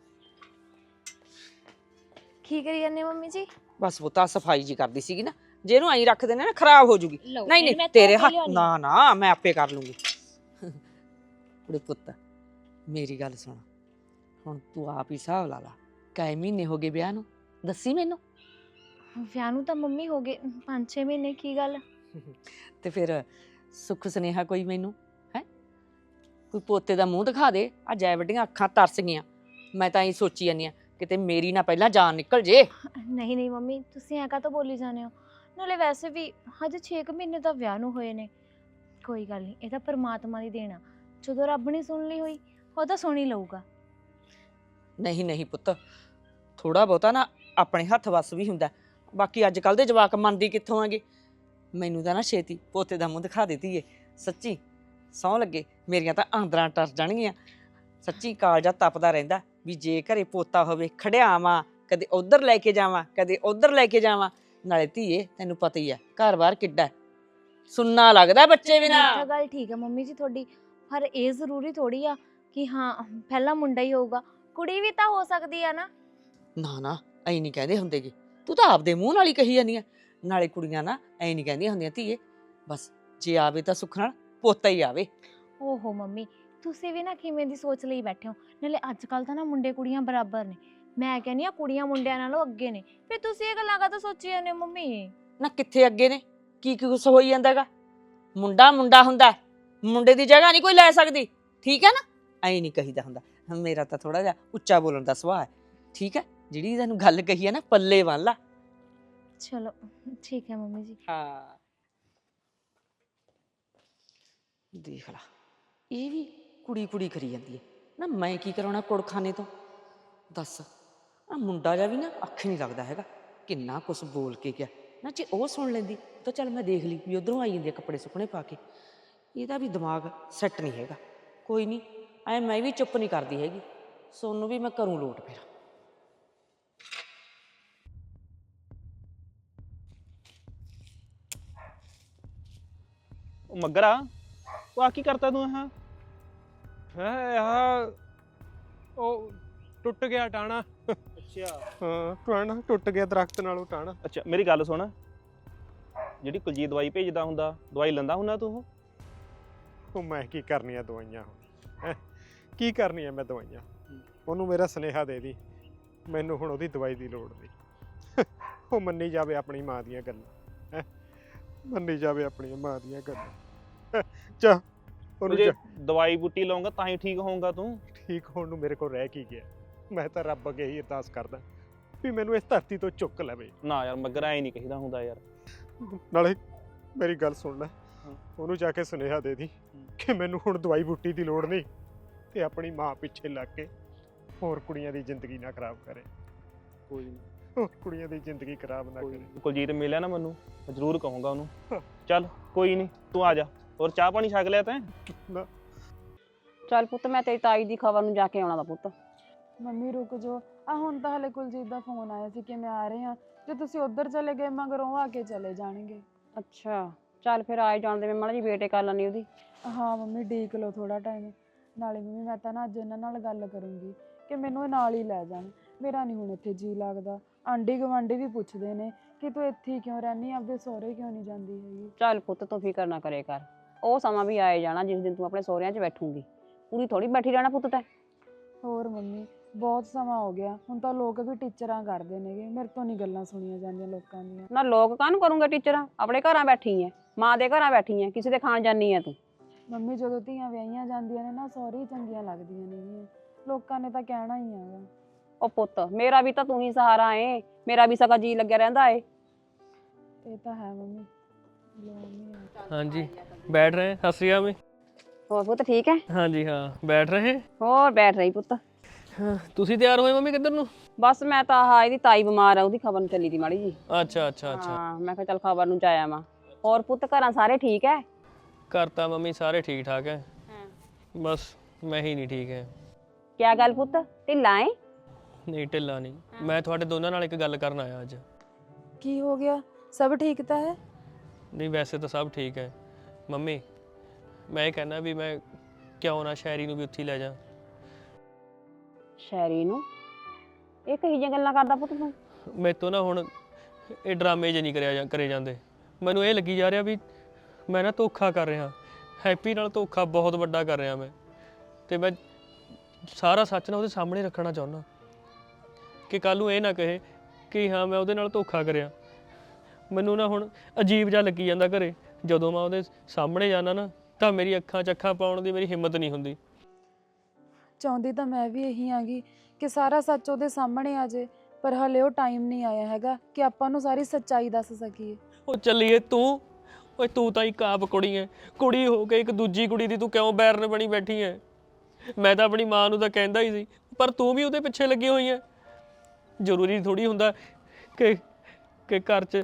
Speaker 4: ਕੀ ਕਰੀ ਜਾਂਦੇ ਹੋ ਮੰਮੀ ਜੀ?
Speaker 6: ਬਸ ਪੁੱਤ ਆਹ ਸਫਾਈ ਜੀ ਕਰਦੀ ਸੀਗੀ ਨਾ, ਜੇ ਇਹਨੂੰ ਐਂ ਰੱਖ ਦੇਣਾ ਨਾ ਖਰਾਬ ਹੋ ਜੂਗੀ।
Speaker 4: ਲਓ,
Speaker 6: ਨਹੀਂ
Speaker 4: ਫਿਰ ਮੈਂ
Speaker 6: ਨਹੀਂ
Speaker 4: ਧੋ
Speaker 6: ਤੇਰੇ
Speaker 4: ਕੇ
Speaker 6: ਹੱਥ,
Speaker 4: ਲਿਆਉਣੀ।
Speaker 6: ਨਾ ਨਾ ਮੈਂ ਆਪੇ ਕਰ ਲੂੰਗੀ। ਕੁੜੇ ਪੁੱਤ ਮੇਰੀ ਗੱਲ ਸੁਣ, ਹੁਣ ਤੂੰ ਆਪ ਹੀ ਹਿਸਾਬ ਲਾ ਲਾ, ਕਈ ਮਹੀਨੇ ਹੋ ਗਏ ਵਿਆਹ ਨੂੰ, ਦੱਸੀ ਮੈਨੂੰ।
Speaker 4: ਵਿਆਹ ਨੂੰ ਤਾਂ ਮੰਮੀ ਹੋ ਗਏ ਪੰਜ ਛੇ ਮਹੀਨੇ। ਕੀ ਗੱਲ?
Speaker 6: ਤੇ ਫਿਰ ਸੁੱਖ ਸੁਨੇਹਾ ਕੋਈ ਮੈਨੂੰ ਹੈ? ਕੋਈ ਪੋਤੇ ਦਾ ਮੂੰਹ ਦਿਖਾ ਦੇ। ਆ ਜੈ ਵੱਡੀਆਂ ਅੱਖਾਂ ਤਰਸ ਗਈਆਂ। ਮੈਂ ਤਾਂ ਇਹ ਸੋਚੀ ਜਾਂਦੀ ਆ ਕਿਤੇ ਮੇਰੀ ਨਾ ਪਹਿਲਾਂ ਜਾਨ ਨਿਕਲ ਜੇ।
Speaker 4: ਨਹੀਂ ਨਹੀਂ ਮੰਮੀ, ਤੁਸੀਂ ਐਂ ਕਾਹਤੋਂ ਬੋਲੀ ਜਾਂਦੇ ਹੋ? ਨਾਲੇ ਵੈਸੇ ਵੀ ਹਜੇ ਛੇ ਕੁ ਮਹੀਨੇ ਤਾਂ ਵਿਆਹ ਨੂੰ ਹੋਏ ਨੇ। ਕੋਈ ਗੱਲ ਨਹੀਂ, ਇਹ ਤਾਂ ਪਰਮਾਤਮਾ ਦੀ ਦੇਣ ਆ। ਜਦੋਂ ਰੱਬ ਨੇ ਸੁਣ ਲਈ ਹੋਈ ਉਹ ਤਾਂ ਸੁਣ ਹੀ ਲਊਗਾ।
Speaker 6: ਨਹੀਂ ਨਹੀਂ ਪੁੱਤ, ਥੋੜਾ ਬਹੁਤਾ ਨਾ ਆਪਣੇ ਹੱਥ ਵੱਸ ਵੀ ਹੁੰਦਾ। ਬਾਕੀ ਅੱਜ ਕੱਲ ਦੇ ਜਵਾਕ ਮੰਨਦੀ ਕਿੱਥੋਂ ਆਗੇ। ਮੈਨੂੰ ਤਾਂ ਨਾ ਛੇਤੀ ਪੋਤੇ ਦਾ ਮੂੰਹ ਦਿਖਾ ਦਿੱਤੀ ਏ। ਸੱਚੀ ਸਹੁੰ ਲੱਗੇ, ਮੇਰੀਆਂ ਤਾਂ ਆਂਦਰਾਂ ਟਰ ਜਾਣਗੀਆਂ। ਸੱਚੀ ਕਾਲਜਾ ਤਪਦਾ ਰਹਿੰਦਾ ਵੀ ਜੇ ਘਰੇ ਪੋਤਾ ਹੋਵੇ, ਖੜਿਆਵਾਂ, ਕਦੇ ਉਧਰ ਲੈ ਕੇ ਜਾਵਾਂ, ਕਦੇ ਉਧਰ ਲੈ ਕੇ ਜਾਵਾਂ। ਨਾਲੇ ਧੀਏ ਤੈਨੂੰ ਪਤਾ ਹੀ ਆ ਘਰ-ਬਾਰ ਕਿੱਡਾ ਸੁੰਨਾ ਲੱਗਦਾ ਬੱਚੇ ਬਿਨਾਂ।
Speaker 4: ਇਹ ਤਾਂ ਗੱਲ ਠੀਕ ਹੈ ਮੰਮੀ ਜੀ ਤੁਹਾਡੀ, ਪਰ ਇਹ ਜ਼ਰੂਰੀ ਥੋੜੀ ਆ ਕਿ ਹਾਂ ਪਹਿਲਾ ਮੁੰਡਾ ਹੀ ਹੋਊਗਾ, ਕੁੜੀ ਵੀ ਤਾਂ ਹੋ ਸਕਦੀ ਆ ਨਾ।
Speaker 6: ਨਾ ਨਾ ਐਂ ਨਹੀਂ ਕਹਿੰਦੇ ਹੁੰਦੇਗੇ, ਤੂੰ ਤਾਂ ਆਪਦੇ ਮੂੰਹ ਨਾਲ ਹੀ ਕਹੀ ਜਾਂਦੀ ਆ। ਨਾਲੇ ਕੁੜੀਆਂ ਨਾ ਐਂ ਨਹੀਂ ਕਹਿੰਦੀਆਂ ਹੁੰਦੀਆਂ ਧੀਏ, ਬਸ ਜੇ ਆਵੇ ਤਾਂ ਸੁੱਖ ਨਾਲ ਪੋਤਾ ਹੀ ਆਵੇ।
Speaker 4: ਓਹੋ ਮੰਮੀ, ਤੁਸੀਂ ਵੀ ਨਾ ਕਿਵੇਂ ਦੀ ਸੋਚ ਲਈ ਬੈਠੇ ਹੋ। ਨਾਲੇ ਅੱਜ ਕੱਲ ਤਾਂ ਨਾ ਮੁੰਡੇ ਕੁੜੀਆਂ ਬਰਾਬਰ ਨੇ। ਮੈਂ ਕਹਿੰਦੀ ਆ ਕੁੜੀਆਂ ਮੁੰਡਿਆਂ ਨਾਲੋਂ ਅੱਗੇ ਨੇ। ਫਿਰ ਤੁਸੀਂ ਇਹ ਗੱਲਾਂ ਕਾਹਤੋਂ ਸੋਚੀ ਜਾਂਦੇ ਹੋ ਮੰਮੀ?
Speaker 6: ਨਾ ਕਿੱਥੇ ਅੱਗੇ ਨੇ, ਕੀ ਕੀ ਕੁਛ ਹੋਈ ਜਾਂਦਾਗਾ। ਮੁੰਡਾ ਮੁੰਡਾ ਹੁੰਦਾ, ਮੁੰਡੇ ਦੀ ਜਗ੍ਹਾ ਨਹੀਂ ਕੋਈ ਲੈ ਸਕਦੀ। ਠੀਕ ਹੈ ਨਾ, ਐਂ ਨਹੀਂ ਕਹੀਦਾ ਹੁੰਦਾ। ਮੇਰਾ ਤਾਂ ਥੋੜਾ ਜਿਹਾ ਉੱਚਾ ਬੋਲਣ ਦਾ ਸੁਭਾਅ ਹੈ। ਠੀਕ ਹੈ, ਜਿਹੜੀ ਤੈਨੂੰ ਗੱਲ ਕਹੀ ਹੈ ਨਾ ਪੱਲੇ ਬੰਨ ਲਾ।
Speaker 4: ਚਲੋ ਠੀਕ ਹੈ ਮੰਮੀ ਜੀ।
Speaker 6: ਹਾਂ ਦੇਖ ਲਾ, ਇਹ ਵੀ ਕੁੜੀ ਕੁੜੀ ਕਰੀ ਜਾਂਦੀ ਹੈ ਨਾ। ਮੈਂ ਕੀ ਕਰਾਉਣਾ ਕੁੜਖਾਨੇ ਤੋਂ, ਦੱਸ। ਆ ਮੁੰਡਾ ਜਿਹਾ ਵੀ ਨਾ ਅੱਖ ਨਹੀਂ ਲੱਗਦਾ ਹੈਗਾ, ਕਿੰਨਾ ਕੁਛ ਬੋਲ ਕੇ ਗਿਆ ਨਾ। ਜੇ ਉਹ ਸੁਣ ਲੈਂਦੀ ਤਾਂ ਚੱਲ ਮੈਂ ਦੇਖ ਲਈ ਵੀ ਉਧਰੋਂ ਆਈ ਜਾਂਦੀ ਆ ਕੱਪੜੇ ਸੁੱਕਣੇ ਪਾ ਕੇ। ਇਹਦਾ ਵੀ ਦਿਮਾਗ ਸੈੱਟ ਨਹੀਂ ਹੈਗਾ। ਕੋਈ ਨਹੀਂ, ਐ ਮੈਂ ਵੀ ਚੁੱਪ ਨਹੀਂ ਕਰਦੀ ਹੈਗੀ। ਸੋਨੂੰ ਵੀ ਮੈਂ ਕਰੂੰ ਲੋਟ ਫਿਰ।
Speaker 3: ਉਹ ਮੱਗਰਾ, ਉਹ ਆ ਕੀ ਕਰਤਾ ਤੂੰ? ਹਾਂ
Speaker 7: ਹੈ ਆਹ ਉਹ ਟੁੱਟ ਗਿਆ ਟਾਣਾ।
Speaker 3: ਅੱਛਾ
Speaker 7: ਹਾਂ ਟਾਣਾ ਟੁੱਟ ਗਿਆ ਦਰਖਤ ਨਾਲੋਂ ਟਾਣਾ।
Speaker 3: ਅੱਛਾ ਮੇਰੀ ਗੱਲ ਸੁਣ, ਜਿਹੜੀ ਕੁਲਜੀਤ ਦਵਾਈ ਭੇਜਦਾ ਹੁੰਦਾ, ਦਵਾਈ ਲੈਂਦਾ ਹੁੰਦਾ ਤੂੰ?
Speaker 7: ਉਹ ਮੈਂ ਕੀ ਕਰਨੀਆਂ ਦਵਾਈਆਂ ਹੁਣ, ਹੈਂ ਕੀ ਕਰਨੀਆਂ ਮੈਂ ਦਵਾਈਆਂ? ਉਹਨੂੰ ਮੇਰਾ ਸੁਨੇਹਾ ਦੇ ਦੀ, ਮੈਨੂੰ ਹੁਣ ਉਹਦੀ ਦਵਾਈ ਦੀ ਲੋੜ ਨਹੀਂ। ਉਹ ਮੰਨੀ ਜਾਵੇ ਆਪਣੀ ਮਾਂ ਦੀਆਂ ਗੱਲਾਂ, ਹੈਂ ਮੰਨੀ ਜਾਵੇ ਆਪਣੀ ਮਾਂ ਦੀਆਂ ਗੱਲਾਂ। ਚਾ ਉਹਨੂੰ
Speaker 3: ਜੇ
Speaker 7: ਜਾ-
Speaker 3: ਦਵਾਈ ਬੂਟੀ ਲਾਉਂਗਾ ਤਾਂ ਹੀ ਠੀਕ ਹੋਊਗਾ ਤੂੰ।
Speaker 7: ਠੀਕ ਹੋਣ ਨੂੰ ਮੇਰੇ ਕੋਲ ਰਹਿ ਕੀ ਗਿਆ? ਮੈਂ ਤਾਂ ਰੱਬ ਅੱਗੇ ਹੀ ਅਰਦਾਸ ਕਰਦਾ ਵੀ ਮੈਨੂੰ ਇਸ ਧਰਤੀ ਤੋਂ ਚੁੱਕ ਲਵੇ।
Speaker 3: ਨਾ ਯਾਰ ਮੱਗਰਾ ਐ ਨਹੀਂ ਕਹੀਦਾ ਹੁੰਦਾ ਯਾਰ।
Speaker 7: ਨਾਲੇ ਮੇਰੀ ਗੱਲ ਸੁਣ ਲੈ, ਉਹਨੂੰ ਜਾ ਕੇ ਸੁਨੇਹਾ ਦੇ ਦੀ ਕਿ ਮੈਨੂੰ ਹੁਣ ਦਵਾਈ ਬੂਟੀ ਦੀ ਲੋੜ ਨਹੀਂ, ਤੇ ਆਪਣੀ ਮਾਂ ਪਿੱਛੇ ਲੱਗ ਕੇ ਹੋਰ ਕੁੜੀਆਂ ਦੀ ਜ਼ਿੰਦਗੀ ਨਾ ਖਰਾਬ ਕਰੇ।
Speaker 3: ਕੋਈ ਨਹੀਂ,
Speaker 7: ਹੋਰ ਕੁੜੀਆਂ ਦੀ ਜ਼ਿੰਦਗੀ ਖਰਾਬ ਨਾ ਕਰੇ।
Speaker 3: ਕੁਲਜੀਤ ਮਿਲਿਆ ਨਾ ਮੈਨੂੰ, ਮੈਂ ਜ਼ਰੂਰ ਕਹੂੰਗਾ ਉਹਨੂੰ। ਚੱਲ ਕੋਈ ਨਹੀਂ, ਤੂੰ ਆ ਜਾ। ਹੋਰ ਚਾਹ ਪਾਣੀ ਛਕ ਲਿਆ ਤੈਂ?
Speaker 5: ਚੱਲ ਪੁੱਤ, ਮੈਂ ਤੇਰੀ ਤਾਈ ਦੀ ਖਬਰ ਨੂੰ ਜਾ ਕੇ ਆਉਣਾ ਦਾ ਪੁੱਤ।
Speaker 1: ਮੰਮੀ ਰੁਕ ਜਾਓ, ਆ ਹੁਣ ਤਾਂ ਹਲੇ ਕੁਲਜੀਤ ਦਾ ਫੋਨ ਆਇਆ ਸੀ ਕਿ ਮੈਂ ਆ ਰਹੀ ਹਾਂ। ਜੇ ਤੁਸੀਂ ਉੱਧਰ ਚਲੇ ਗਏ ਮਗਰੋਂ ਉਹ ਆ ਕੇ ਚਲੇ ਜਾਣਗੇ।
Speaker 5: ਅੱਛਾ ਚੱਲ ਫਿਰ ਆਏ ਜਾਣ ਦੇ, ਮੈਂ ਮਾੜਾ ਜੀ ਵੇਟ ਕਰ ਲੈਣੀ ਉਹਦੀ।
Speaker 1: ਹਾਂ ਮੰਮੀ ਡੀਕ ਲਓ ਥੋੜਾ ਟਾਈਮ। ਨਾਲੇ ਮੰਮੀ ਮੈਂ ਤਾਂ ਨਾ ਅੱਜ ਇਹਨਾਂ ਨਾਲ ਗੱਲ ਕਰੂੰਗੀ ਕਿ ਮੈਨੂੰ ਇਹ ਨਾਲ ਹੀ ਲੈ ਜਾਣ। ਮੇਰਾ ਨਹੀਂ ਹੁਣ ਇੱਥੇ ਜੀ ਲੱਗਦਾ। ਆਂਢੀ ਗੁਆਂਢੀ ਵੀ ਪੁੱਛਦੇ ਨੇ ਕਿ ਤੂੰ ਇੱਥੇ ਹੀ ਕਿਉਂ ਰਹਿੰਦੀ, ਆਪਦੇ ਸਹੁਰੇ ਕਿਉਂ ਨਹੀਂ ਜਾਂਦੀ ਹੈਗੀ।
Speaker 5: ਚੱਲ ਪੁੱਤ ਤੂੰ ਫਿਕਰ ਨਾ ਕਰੇ ਕਰ, ਉਹ ਸਮਾਂ ਵੀ ਆਏ ਜਾਣਾ ਜਿਸ ਦਿਨ ਤੂੰ ਆਪਣੇ ਸਹੁਰਿਆਂ 'ਚ ਬੈਠੂਗੀ। ਪੂਰੀ ਥੋੜੀ ਬੈਠੀ ਰਹਿਣਾ ਪੁੱਤ ਤੈਂ।
Speaker 1: ਹੋਰ ਮੰਮੀ ਬਹੁਤ ਸਮਾਂ ਹੋ ਗਿਆ, ਹੁਣ ਤਾਂ ਲੋਕ ਵੀ ਟੀਚਰਾਂ ਕਰਦੇ ਨੇਗੇ, ਮੇਰੇ ਤੋਂ ਨਹੀਂ ਗੱਲਾਂ ਸੁਣੀਆਂ ਜਾਂਦੀਆਂ ਲੋਕਾਂ ਦੀਆਂ।
Speaker 5: ਨਾ ਲੋਕ ਕਾਹਨੂੰ ਕਰੂੰਗੇ ਟੀਚਰਾਂ, ਆਪਣੇ ਘਰਾਂ ਬੈਠੀ ਐ, ਮਾਂ ਦੇ ਘਰਾਂ ਬੈਠੀ ਐ, ਕਿਸੇ ਦੇ ਖਾਣ ਜਾਨੀ ਐ ਤੂੰ।
Speaker 1: ਮੰਮੀ ਜਦੋਂ ਧੀਆਂ ਵਿਆਹੀਆਂ ਜਾਂਦੀਆਂ ਨੇ ਨਾ ਸਹੁਰੇ ਹੀ ਚੰਗੀਆਂ ਲੱਗਦੀਆਂ ਨੇਗੀਆਂ, ਲੋਕਾਂ ਨੇ ਤਾਂ ਕਹਿਣਾ ਹੀ ਹੈਗਾ।
Speaker 5: ਉਹ ਪੁੱਤ ਮੇਰਾ ਵੀ ਤਾਂ ਤੂੰ ਹੀ ਸਹਾਰਾ ਏ, ਮੇਰਾ ਵੀ ਸਗਾ ਜੀ ਲੱਗਿਆ ਰਹਿੰਦਾ ਏ।
Speaker 1: ਇਹ ਤਾਂ ਹੈ ਮੰਮੀ। ਲਓ ਮੰਮੀ ਆ।
Speaker 2: ਹਾਂਜੀ ਬੈਠ ਰਹੇ हैं। सत श्री अकाल।
Speaker 5: ਹੋਰ ਪੁੱਤ ਠੀਕ ਹੈ?
Speaker 2: हाँ जी हाँ बैठ रहे हैं।
Speaker 5: ਹੋਰ ਬੈਠ ਰਹੀ ਪੁੱਤ।
Speaker 2: ਹਾਂ, ਤੁਸੀਂ ਤਿਆਰ ਹੋਏ ਮੰਮੀ ਕਿੱਧਰ ਨੂੰ?
Speaker 5: ਬਸ ਮੈਂ ਤਾਂ ਆਹ ਇਹਦੀ ਤਾਈ ਬਿਮਾਰ ਆ, ਉਹਦੀ ਖਬਰ ਨੂੰ ਚੱਲੀ ਦੀ ਮਾੜੀ ਜੀ।
Speaker 2: ਅੱਛਾ ਅੱਛਾ ਅੱਛਾ।
Speaker 5: ਹਾਂ ਮੈਂ ਕਿਹਾ ਚੱਲ ਖਬਰ ਨੂੰ ਜਾਇਆ ਵਾਂ। ਹੋਰ ਪੁੱਤ ਘਰਾਂ ਸਾਰੇ ਠੀਕ ਹੈ?
Speaker 2: ਘਰ ਤਾਂ ਮੰਮੀ ਸਾਰੇ ਠੀਕ ਠਾਕ ਹੈ, ਬਸ ਮੈਂ ਹੀ ਨਹੀਂ ਠੀਕ ਹੈ।
Speaker 5: ਕਿਆ ਗੱਲ ਪੁੱਤ, ਢਿੱਲਾ ਏ?
Speaker 2: ਨਹੀਂ ਢਿੱਲਾ ਨਹੀਂ, ਮੈਂ ਤੁਹਾਡੇ ਦੋਨਾਂ ਨਾਲ ਇੱਕ ਗੱਲ ਕਰਨ ਆਇਆ ਅੱਜ।
Speaker 1: ਕੀ ਹੋ ਗਿਆ? ਸਭ ਠੀਕ ਤਾਂ ਹੈ?
Speaker 2: ਨਹੀਂ ਵੈਸੇ ਤਾਂ ਸਭ ਠੀਕ ਹੈ ਮੰਮੀ, ਮੈਂ ਇਹ ਕਹਿੰਦਾ ਵੀ ਮੈਂ ਕਿਉਂ ਨਾ ਸ਼ਾਇਰੀ ਨੂੰ ਵੀ ਉੱਥੇ ਹੀ ਲੈ ਜਾ।
Speaker 5: ਸ਼ੈਰੀ ਨੂੰ? ਇਹ ਕਹੀ ਜਿਹੀਆਂ ਗੱਲਾਂ ਕਰਦਾ ਪੁੱਤ ਤੂੰ?
Speaker 2: ਮੇਰੇ ਤੋਂ ਨਾ ਹੁਣ ਇਹ ਡਰਾਮੇ ਜੇ ਨਹੀਂ ਕਰਿਆ ਜਾਂ ਕਰੇ ਜਾਂਦੇ। ਮੈਨੂੰ ਇਹ ਲੱਗੀ ਜਾ ਰਿਹਾ ਵੀ ਮੈਂ ਨਾ ਧੋਖਾ ਕਰ ਰਿਹਾ, ਹੈਪੀ ਨਾਲ ਧੋਖਾ ਬਹੁਤ ਵੱਡਾ ਕਰ ਰਿਹਾ ਮੈਂ, ਤੇ ਮੈਂ ਸਾਰਾ ਸੱਚ ਨਾ ਉਹਦੇ ਸਾਹਮਣੇ ਰੱਖਣਾ ਚਾਹੁੰਦਾ ਕਿ ਕੱਲ ਨੂੰ ਇਹ ਨਾ ਕਹੇ ਕਿ ਹਾਂ ਮੈਂ ਉਹਦੇ ਨਾਲ ਧੋਖਾ ਕਰਿਆ। ਮੈਨੂੰ ਨਾ ਹੁਣ ਅਜੀਬ ਜਿਹਾ ਲੱਗੀ ਜਾਂਦਾ ਘਰੇ, ਜਦੋਂ ਮੈਂ ਉਹਦੇ ਸਾਹਮਣੇ ਜਾਣਾ ਨਾ ਤਾਂ ਮੇਰੀ ਅੱਖਾਂ 'ਚ ਅੱਖਾਂ ਪਾਉਣ ਦੀ ਮੇਰੀ ਹਿੰਮਤ ਨਹੀਂ ਹੁੰਦੀ।
Speaker 1: ਚਾਹੁੰਦੀ ਤਾਂ ਮੈਂ ਵੀ ਇਹੀ ਆਂਗੀ ਕਿ ਸਾਰਾ ਸੱਚ ਉਹਦੇ ਸਾਹਮਣੇ ਆ ਜੇ, ਪਰ ਹਲੇ ਉਹ ਟਾਈਮ ਨਹੀਂ ਆਇਆ ਹੈਗਾ ਕਿ ਆਪਾਂ ਨੂੰ ਸਾਰੀ ਸੱਚਾਈ ਦੱਸ ਸਕੀਏ।
Speaker 2: ਉਹ ਚੱਲੀਏ ਤੂੰ, ਓਏ ਤੂੰ ਤਾਂ ਇੱਕ ਆਪ ਕੁੜੀ ਐ, ਕੁੜੀ ਹੋ ਕੇ ਇੱਕ ਦੂਜੀ ਕੁੜੀ ਦੀ ਤੂੰ ਕਿਉਂ ਬੈਰਨ ਬਣੀ ਬੈਠੀ ਐ? ਮੈਂ ਤਾਂ ਆਪਣੀ ਮਾਂ ਨੂੰ ਤਾਂ ਕਹਿੰਦਾ ਹੀ ਸੀ, ਪਰ ਤੂੰ ਵੀ ਉਹਦੇ ਪਿੱਛੇ ਲੱਗੀ ਹੋਈ ਐ। ਜ਼ਰੂਰੀ ਥੋੜੀ ਹੁੰਦਾ ਕਿ ਕਿ ਘਰ 'ਚ